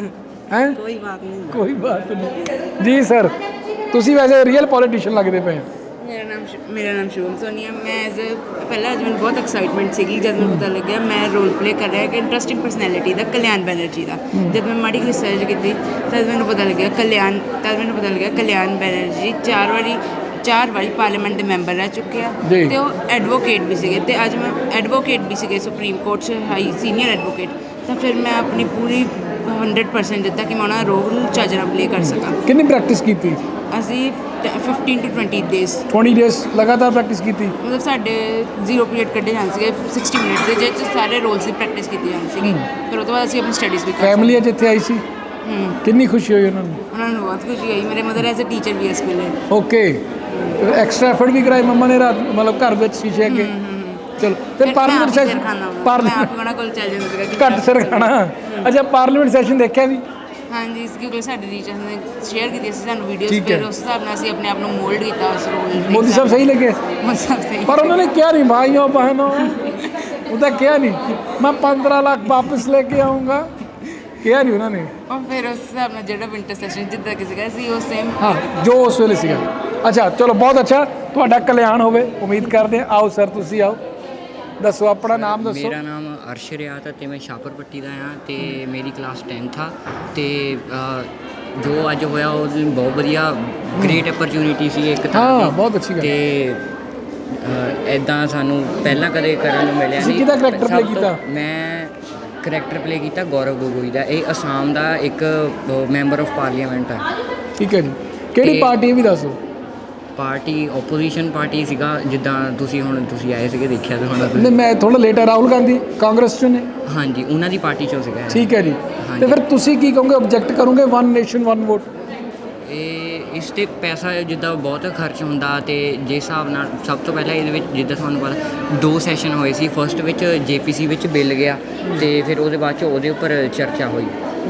S1: ਹੈ।
S5: ਕੋਈ ਬਾਤ ਨਹੀਂ।
S1: ਕੋਈ ਬਾਤ ਨਹੀਂ ਜੀ ਸਰ। ਤੁਸੀਂ ਵੈਸੇ ਰੀਅਲ ਪੋਲੀਟੀਸ਼ੀਅਨ ਲੱਗਦੇ ਪਏ ਹੋ।
S6: ਮੇਰਾ ਨਾਮ ਸ਼ਿ- ਮੇਰਾ ਨਾਮ ਸ਼ਿਵਮ ਸੋਨੀਆ। ਮੈਂ ਐਜ਼ ਅ ਪਹਿਲਾਂ ਅੱਜ ਮੈਨੂੰ ਬਹੁਤ ਐਕਸਾਈਟਮੈਂਟ ਸੀਗੀ ਜਦ ਮੈਨੂੰ ਪਤਾ ਲੱਗਿਆ ਮੈਂ ਰੋਲ ਪਲੇ ਕਰ ਰਿਹਾ ਕਿ ਇੰਟਰਸਟਿੰਗ ਪਰਸਨੈਲਿਟੀ ਦਾ, ਕਲਿਆਣ ਬੈਨਰਜੀ ਦਾ। ਜਦ ਮੈਂ ਮਾੜੀ ਰਿਸਰਚ ਕੀਤੀ ਤਦ ਮੈਨੂੰ ਪਤਾ ਲੱਗਿਆ ਕਲਿਆਣ ਤਦ ਮੈਨੂੰ ਪਤਾ ਲੱਗਿਆ ਕਲਿਆਣ ਬੈਨਰਜੀ ਚਾਰ ਵਾਰੀ ਚਾਰ ਵਾਰੀ ਪਾਰਲੀਮੈਂਟ ਦੇ ਮੈਂਬਰ ਰਹਿ ਚੁੱਕੇ ਆ,
S1: ਜੀ।
S6: ਤੇ ਉਹ ਐਡਵੋਕੇਟ ਵੀ ਸੀਗੇ, ਤੇ ਅੱਜ ਮੈਂ ਐਡਵੋਕੇਟ ਵੀ ਸੀਗੇ ਸੁਪਰੀਮ ਕੋਰਟ 'ਚ, ਹਾਈ ਸੀਨੀਅਰ ਐਡਵੋਕੇਟ। ਤਾਂ ਫਿਰ ਮੈਂ ਆਪਣੀ ਪੂਰੀ ਹੰਡਰਡ ਪਰਸੈਂਟ ਦਿੱਤਾ ਕਿ ਮੈਂ ਉਹਨਾਂ ਦਾ ਰੋਲ ਚੱਜ ਨਾਲ ਪਲੇ ਕਰ ਸਕਾਂ।
S1: ਕਿੰਨੀ ਪ੍ਰੈਕਟਿਸ ਕੀਤੀ?
S6: ਅਸੀਂ ਫਿਫਟੀਨ ਟੂ ਟਵੈਂਟੀ ਡੇਜ਼
S1: ਵੀਹ ਡੇਜ਼ ਲਗਾਤਾਰ ਪ੍ਰੈਕਟਿਸ ਕੀਤੀ?
S6: ਮਤਲਬ ਸਾਡੇ ਜ਼ੀਰੋ ਪੀਰੀਅਡ ਕੱਢੇ ਜਾਂਦੇ ਸੀਗੇ ਸਿਕਸਟੀ ਮਿੰਟ ਦੇ, ਜਿਹਦੇ 'ਚ ਸਾਰੇ ਰੋਲਸ ਦੀ ਪ੍ਰੈਕਟਿਸ ਕੀਤੀ ਜਾਂਦੀ ਸੀਗੀ। ਫਿਰ ਉਹ ਤੋਂ ਬਾਅਦ ਅਸੀਂ ਆਪਣੀ ਸਟੱਡੀਜ਼ ਵੀ ਕਰ
S1: ਫੈਮਿਲੀ ਅੱਜ ਇੱਥੇ ਆਈ ਸੀ? ਕਿੰਨੀ ਖੁਸ਼ੀ ਹੋਈ ਉਹਨਾਂ ਨੂੰ?
S6: ਉਹਨਾਂ ਨੂੰ ਬਹੁਤ ਖੁਸ਼ੀ ਹੋਈ। ਮੇਰੇ ਮਦਰ ਐਜ਼ ਅ ਟੀਚਰ ਵੀ ਹੈ ਸਕੂਲੇ।
S1: ਓਕੇ, ਐਕਸਟਰਾ ਐਫਰਟ ਵੀ ਕਰਾਈ ਮੰਮਾ ਨੇ ਰਾਤ ਮਤਲਬ ਘਰ ਵਿੱਚ ਸ਼ੀਸ਼ੇ ਅੱਗੇ? ਚਲੋ ਫਿਰ ਪਾਰਲੀਮੈਂਟ ਸੈਸ਼ਨ
S6: ਮੈਂ
S1: ਪਾਰਲੀਮੈਂਟ
S6: ਆਪ ਉਹਨਾਂ ਕੋਲ ਚੱਲ ਜਾਂਦੀ ਸੀਗਾ ਕਿ
S1: ਘੱਟ ਸਿਰ ਖਾਣਾ। ਅੱਛਾ, ਪਾਰਲੀਮੈਂਟ ਸੈਸ਼ਨ ਦੇਖਿਆ ਵੀ?
S6: ਹਾਂਜੀ, ਕਿਉਂਕਿ ਸਾਡੇ ਟੀਚਰਸ ਨੇ ਸ਼ੇਅਰ ਕੀਤੀ ਸੀ ਸਾਨੂੰ ਵੀਡੀਓਜ਼,
S1: ਠੀਕ ਹੈ।
S6: ਫਿਰ ਉਸ ਹਿਸਾਬ ਨਾਲ ਅਸੀਂ ਆਪਣੇ ਆਪ ਨੂੰ ਮੋਲਡ ਕੀਤਾ ਉਸ ਰੋਲ।
S1: ਮੋਦੀ ਸਾਹਿਬ ਸਹੀ ਲੱਗੇ?
S6: ਮੋਦੀ ਸਾਹਿਬ ਸਹੀ।
S1: पर उन्होंने क्या नहीं भाइयों बहनों उधर क्या नहीं मैं पंद्रह लाख वापस लेके आऊँगा, क्या नहीं उन्होंने।
S6: और फिर उस हिसाब ਨਾਲ ਜਿਹੜਾ ਵਿੰਟਰ ਸੈਸ਼ਨ ਜਿੱਦਾਂ ਕਿ ਸੀਗਾ ਸੀ ਉਹ ਸੇਮ।
S1: ਹਾਂ, ਜੋ ਉਸ ਵੇਲੇ ਸੀਗਾ। ਅੱਛਾ ਚਲੋ, ਬਹੁਤ ਅੱਛਾ, ਤੁਹਾਡਾ ਕਲਿਆਣ ਹੋਵੇ ਉਮੀਦ ਕਰਦੇ ਹਾਂ। ਆਓ ਸਰ, ਤੁਸੀਂ ਆਓ, ਦੱਸੋ ਆਪਣਾ ਨਾਮ ਦੱਸੋ।
S7: ਮੇਰਾ ਨਾਮ ਅਰਸ਼ ਰਿਆਤ ਹੈ ਤੇ ਮੈਂ ਸ਼ਾਹਪੁਰ ਪੱਟੀ ਦਾ ਹਾਂ ਤੇ ਮੇਰੀ ਕਲਾਸ ਟੈਂਥ ਆ ਤੇ ਅ, ਜੋ ਅੱਜ ਹੋਇਆ ਉਹ ਦਿਨ ਬਹੁਤ ਵਧੀਆ ਗ੍ਰੇਟ ਅਪਰਚੂਨਿਟੀ ਸੀ ਇੱਕ ਤਰ੍ਹਾਂ
S1: ਹਾਂ,
S7: ਦੀ।
S1: ਬਹੁਤ ਅੱਛੀ ਗੱਲ।
S7: ਤੇ ਇਦਾਂ ਸਾਨੂੰ ਪਹਿਲਾਂ ਕਦੇ ਕਰਨ ਨੂੰ ਮਿਲਿਆ
S1: ਤੁਸੀਂ
S7: ਨਹੀਂ।
S1: ਕਿਹਦਾ character
S7: ਸਭ
S1: play
S7: ਤੋਂ-
S1: ਕੀਤਾ?
S7: ਮੈਂ ਕਰੈਕਟਰ ਪਲੇ ਕੀਤਾ ਗੌਰਵ ਗੋਗੋਈ ਦਾ। ਇਹ ਅਸਾਮ ਦਾ ਇੱਕ ਮੈਂਬਰ ਆਫ ਪਾਰਲੀਮੈਂਟ ਹੈ।
S1: ਠੀਕ ਹੈ ਜੀ, ਕਿਹੜੀ
S7: ਤੇ-
S1: ਪਾਰਟੀ ਇਹ ਵੀ ਦੱਸੋ।
S7: ਪਾਰਟੀ ਓਪੋਜੀਸ਼ਨ ਪਾਰਟੀ ਸੀਗਾ, ਜਿੱਦਾਂ ਤੁਸੀਂ ਹੁਣ ਤੁਸੀਂ ਆਏ ਸੀਗੇ ਦੇਖਿਆ ਤੇ ਹੁਣ
S1: ਨਹੀਂ, ਮੈਂ ਥੋੜਾ ਲੇਟ ਆ। ਰਾਹੁਲ ਗਾਂਧੀ ਕਾਂਗਰਸ ਚੋਂ ਨੇ?
S7: ਹਾਂਜੀ, ਉਹਨਾਂ ਦੀ ਪਾਰਟੀ ਚੋਂ ਸੀਗਾ ਇਹ।
S1: ਠੀਕ ਹੈ ਜੀ,
S7: ਹਾਂਜੀ।
S1: ਤੇ ਫਿਰ ਤੁਸੀਂ ਕੀ ਕਹੋਗੇ? ਆਬਜੈਕਟ ਕਰੋਗੇ ਵਨ ਨੇਸ਼ਨ ਵਨ ਵੋਟ?
S7: ਇਹ ਇਸ 'ਤੇ ਪੈਸਾ ਜਿੱਦਾਂ ਬਹੁਤ ਖਰਚ ਹੁੰਦਾ ਤੇ ਜਿਸ ਹਿਸਾਬ ਨਾਲ ਸਭ ਤੋਂ ਪਹਿਲਾਂ ਇਹਦੇ ਵਿੱਚ ਜਿੱਦਾਂ ਤੁਹਾਨੂੰ ਪਤਾ ਦੋ ਸੈਸ਼ਨ ਹੋਏ ਸੀ। ਫਸਟ ਵਿੱਚ ਜੇਪੀਸੀ ਵਿੱਚ ਬਿੱਲ ਗਿਆ ਤੇ ਫਿਰ ਉਹਦੇ ਬਾਅਦ 'ਚ ਉਹਦੇ ਉੱਪਰ ਚਰਚਾ ਹੋਈ।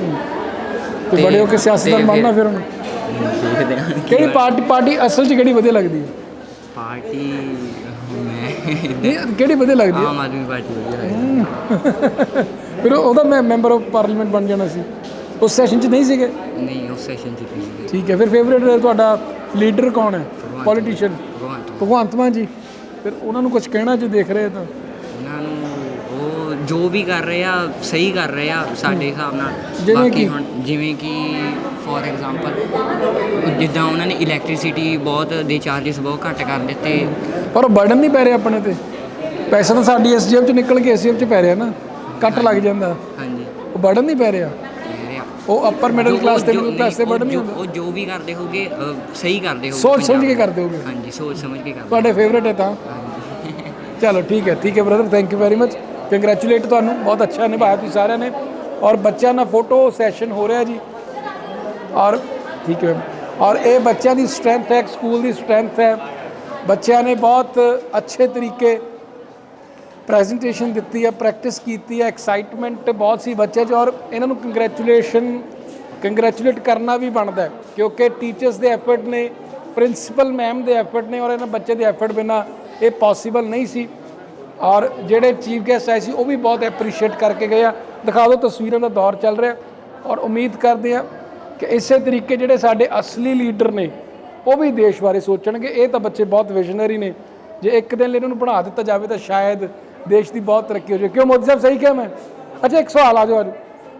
S1: ਤੇ
S7: ਤੇ-
S1: ਬੜੇ ਹੋ ਕੇ ਸਿਆਸਤਦਾਨ
S7: ਤੇ
S1: ਬਣਨਾ ਫਿਰ ਹੁਣ?
S7: ਦੇਖਦੇ ਹਾਂ ਕੀ
S1: ਕਿਹੜੀ
S7: ਹੋਇਆ।
S1: ਪਾਰਟੀ ਪਾਰਟੀ ਅਸਲ 'ਚ ਕਿਹੜੀ ਵਧੀਆ ਲੱਗਦੀ ਹੈ?
S7: ਪਾਰਟੀ ਮੈਂ
S1: ਨਹੀਂ, ਕਿਹੜੀ ਵਧੀਆ ਲੱਗਦੀ ਹੈ?
S7: ਆਮ ਆਦਮੀ ਪਾਰਟੀ ਵਧੀਆ ਲੱਗਦੀ।
S1: ਫਿਰ ਉਹਦਾ ਮੈਂ ਮੈਂਬਰ ਆਫ ਪਾਰਲੀਮੈਂਟ ਬਣ ਜਾਣਾ ਸੀ। ਉਸ ਸੈਸ਼ਨ 'ਚ ਨਹੀਂ ਸੀਗੇ?
S7: ਨਹੀਂ, ਉਸ ਸੈਸ਼ਨ 'ਚ ਨਹੀਂ ਸੀਗੇ।
S1: ਠੀਕ ਹੈ, ਫਿਰ ਫੇਵਰੇਟ ਤੁਹਾਡਾ ਲੀਡਰ ਕੌਣ ਹੈ?
S7: ਭਗਵੰਤ
S1: ਪੋਲੀਟੀਸ਼ੀਅਨ?
S7: ਭਗਵੰਤ ਮਾਨ।
S1: ਭਗਵੰਤ ਮਾਨ ਜੀ। ਫਿਰ ਉਹਨਾਂ ਨੂੰ ਕੁਝ ਕਹਿਣਾ ਜੇ ਦੇਖ ਰਹੇ ਤਾਂ?
S7: ਉਹਨਾਂ ਨੂੰ ਉਹ ਜੋ ਵੀ ਕਰ ਰਹੇ ਆ ਸਹੀ ਕਰ ਰਹੇ ਆ ਸਾਡੇ ਹਿਸਾਬ ਨਾਲ।
S1: ਜਿਵੇਂ
S7: ਬਾਕੀ
S1: ਕਿ?
S7: ਹੁਣ ਜਿਵੇਂ ਕਿ ਫੋਰ ਐਗਜ਼ਾਮਪਲ ਜਿੱਦਾਂ ਉਹਨਾਂ ਨੇ ਇਲੈਕਟ੍ਰਿਸਿਟੀ ਬਹੁਤ ਦੇ ਚਾਰजेस ਬਹੁਤ ਘੱਟ ਕਰ ਦਿੱਤੇ।
S1: ਪਰ ਉਹ ਬਰਡਨ ਨਹੀਂ ਪੈ ਰਿਹਾ ਆਪਣੇ ਤੇ? ਪੈਸਾ ਤਾਂ ਸਾਡੀ ਐਸ ਜੇਬ 'ਚ ਨਿਕਲ ਕੇ ਐਸ ਜੇਬ 'ਚ ਪੈ ਰਿਹਾ ਨਾ, ਕੱਟ ਲੱਗ ਜਾਂਦਾ।
S7: ਹਾਂਜੀ,
S1: ਉਹ ਬਰਡਨ ਨਹੀਂ ਪੈ ਰਿਹਾ?
S7: ਕਹਿ ਰਹੇ ਆ।
S1: ਉਹ ਅਪਰ ਮਿਡਲ
S7: ਜੋ-
S1: ਕਲਾਸ ਤੇ
S7: ਜੋ-
S1: ਮਿਡਲ ਕਲਾਸ ਤੇ
S7: ਉਹ
S1: ਬਰਡਨ ਨਹੀਂ
S7: ਜੋ-
S1: ਹੁੰਦਾ?
S7: ਉਹ ਜੋ ਵੀ ਕਰਦੇ ਹੋਗੇ ਅ, ਸਹੀ ਕਰਦੇ ਹੋਗੇ।
S1: ਸੋਚ ਸਮਝ ਕੇ
S7: ਪੰਜਾਬ-
S1: ਕਰਦੇ ਹੋਗੇ?
S7: ਹਾਂਜੀ, ਸੋਚ ਸਮਝ ਕੇ ਕਰਦੇ।
S1: ਤੁਹਾਡੇ ਫੇਵਰੇਟ ਹੈ ਤਾਂ? ਚਲੋ ਠੀਕ ਹੈ, ਠੀਕ ਹੈ brother, thank you very much, congratulate ਤੁਹਾਨੂੰ, ਬਹੁਤ ਅੱਛਾ ਨਿਭਾਇਆ ਤੁਸੀਂ ਸਾਰਿਆਂ ਨੇ। ਔਰ ਬੱਚਿਆਂ ਨਾਲ ਫੋਟੋ ਸੈਸ਼ਨ ਹੋ ਰਿਹਾ ਜੀ। ਔਰ ਠੀਕ ਹੈ, ਔਰ ਇਹ ਬੱਚਿਆਂ ਦੀ ਸਟਰੈਂਥ ਹੈ, ਸਕੂਲ ਦੀ ਸਟਰੈਂਥ ਹੈ। ਬੱਚਿਆਂ ਨੇ ਬਹੁਤ ਅੱਛੇ ਤਰੀਕੇ ਪ੍ਰੈਜੈਂਟੇਸ਼ਨ ਦਿੱਤੀ ਹੈ, ਪ੍ਰੈਕਟਿਸ ਕੀਤੀ ਹੈ, ਐਕਸਾਈਟਮੈਂਟ ਬਹੁਤ ਸੀ ਬੱਚੇ 'ਚ। ਔਰ ਇਹਨਾਂ ਨੂੰ ਕੰਗ੍ਰੈਚੁਲੇਸ਼ਨ ਕੰਗ੍ਰੈਚੁਲੇਟ ਕਰਨਾ ਵੀ ਬਣਦਾ ਹੈ, ਕਿਉਂਕਿ ਟੀਚਰਸ ਦੇ ਐਫਰਟ ਨੇ, ਪ੍ਰਿੰਸੀਪਲ ਮੈਮ ਦੇ ਐਫਰਟ ਨੇ, ਔਰ ਇਹਨਾਂ ਬੱਚੇ ਦੇ ਐਫਰਟ ਬਿਨਾਂ ਇਹ ਪੋਸੀਬਲ ਨਹੀਂ ਸੀ। ਔਰ ਜਿਹੜੇ ਚੀਫ ਗੈਸਟ ਆਏ ਸੀ ਉਹ ਵੀ ਬਹੁਤ ਐਪਰੀਸ਼ੀਏਟ ਕਰਕੇ ਗਏ ਆ। ਦਿਖਾ ਦਿਓ, ਤਸਵੀਰਾਂ ਦਾ ਦੌਰ ਚੱਲ ਰਿਹਾ। ਔਰ ਉਮੀਦ ਕਰਦੇ ਆ ਕਿ ਇਸੇ ਤਰੀਕੇ ਜਿਹੜੇ ਸਾਡੇ ਅਸਲੀ ਲੀਡਰ ਨੇ ਉਹ ਵੀ ਦੇਸ਼ ਬਾਰੇ ਸੋਚਣਗੇ। ਇਹ ਤਾਂ ਬੱਚੇ ਬਹੁਤ ਵਿਜ਼ਨਰੀ ਨੇ। ਜੇ ਇੱਕ ਦਿਨ ਲਈ ਇਹਨਾਂ ਨੂੰ ਬਣਾ ਦਿੱਤਾ ਜਾਵੇ ਤਾਂ ਸ਼ਾਇਦ ਦੇਸ਼ ਦੀ ਬਹੁਤ ਤਰੱਕੀ ਹੋ ਜਾਵੇ। ਕਿਉਂ ਮੋਦੀ ਸਾਹਿਬ, ਸਹੀ ਕਿਹਾ ਮੈਂ? ਅੱਛਾ, ਇੱਕ ਸਵਾਲ ਆ ਜਾਓ ਅੱਜ,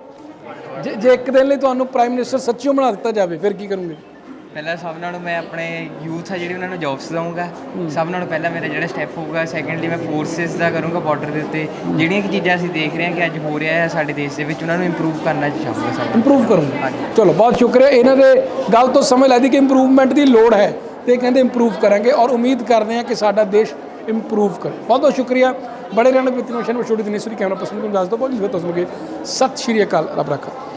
S1: ਜੇ ਜੇ ਇੱਕ ਦਿਨ ਲਈ ਤੁਹਾਨੂੰ ਪ੍ਰਾਈਮ ਮਿਨਿਸਟਰ ਸੱਚੀਓ ਬਣਾ ਦਿੱਤਾ ਜਾਵੇ ਫਿਰ ਕੀ ਕਰੋਗੇ?
S3: ਪਹਿਲਾਂ ਸਭ ਨਾਲੋਂ ਮੈਂ ਆਪਣੇ ਯੂਥ ਆ ਜਿਹੜੀ ਉਹਨਾਂ ਨੂੰ ਜੌਬਸ ਦਊਂਗਾ। ਸਭ ਨਾਲੋਂ ਪਹਿਲਾਂ ਮੇਰਾ ਜਿਹੜਾ ਸਟੈਪ ਹੋਊਗਾ। ਸੈਕੰਡਲੀ ਮੈਂ ਫੋਰਸਿਸ ਦਾ ਕਰੂੰਗਾ ਬਾਰਡਰ ਦੇ ਉੱਤੇ। ਜਿਹੜੀਆਂ ਕਿ ਚੀਜ਼ਾਂ ਅਸੀਂ ਦੇਖ ਰਹੇ ਹਾਂ ਕਿ ਅੱਜ ਹੋ ਰਿਹਾ ਹੈ ਸਾਡੇ ਦੇਸ਼ ਦੇ ਵਿੱਚ, ਉਹਨਾਂ ਨੂੰ ਇੰਪਰੂਵ ਕਰਨਾ ਚਾਹੂੰਗਾ ਸਾਡਾ।
S1: ਇੰਪਰੂਵ ਕਰੋਗੇ? ਚਲੋ, ਬਹੁਤ ਸ਼ੁਕਰੀਆ। ਇਹਨਾਂ ਦੇ ਗੱਲ ਤੋਂ ਸਮਝ ਲੱਗਦੀ ਕਿ ਇੰਪਰੂਵਮੈਂਟ ਦੀ ਲੋੜ ਹੈ ਤੇ ਕਹਿੰਦੇ ਇੰਪਰੂਵ ਕਰਾਂਗੇ। ਔਰ ਉਮੀਦ ਕਰਦੇ ਹਾਂ ਕਿ ਸਾਡਾ ਦੇਸ਼ ਇੰਪਰੂਵ ਕਰੇ। ਬਹੁਤ ਬਹੁਤ ਸ਼ੁਕਰੀਆ। ਬੜੇ ਰਹਿਣ ਵਿਤਨੋਸ਼ਨ ਵਿੱਚ ਛੋਟੀ ਦਿਨੇਸ਼ਵਰੀ ਕੈਮਰਾ ਪਰਸਨ ਨੂੰ ਦੱਸ ਦਿਓ ਬਹੁਤ ਜੀ। ਤੁਸੀਂ ਸਤਿ ਸ਼੍ਰੀ ਅਕਾਲ, ਰੱਬ ਰੱਖਾ।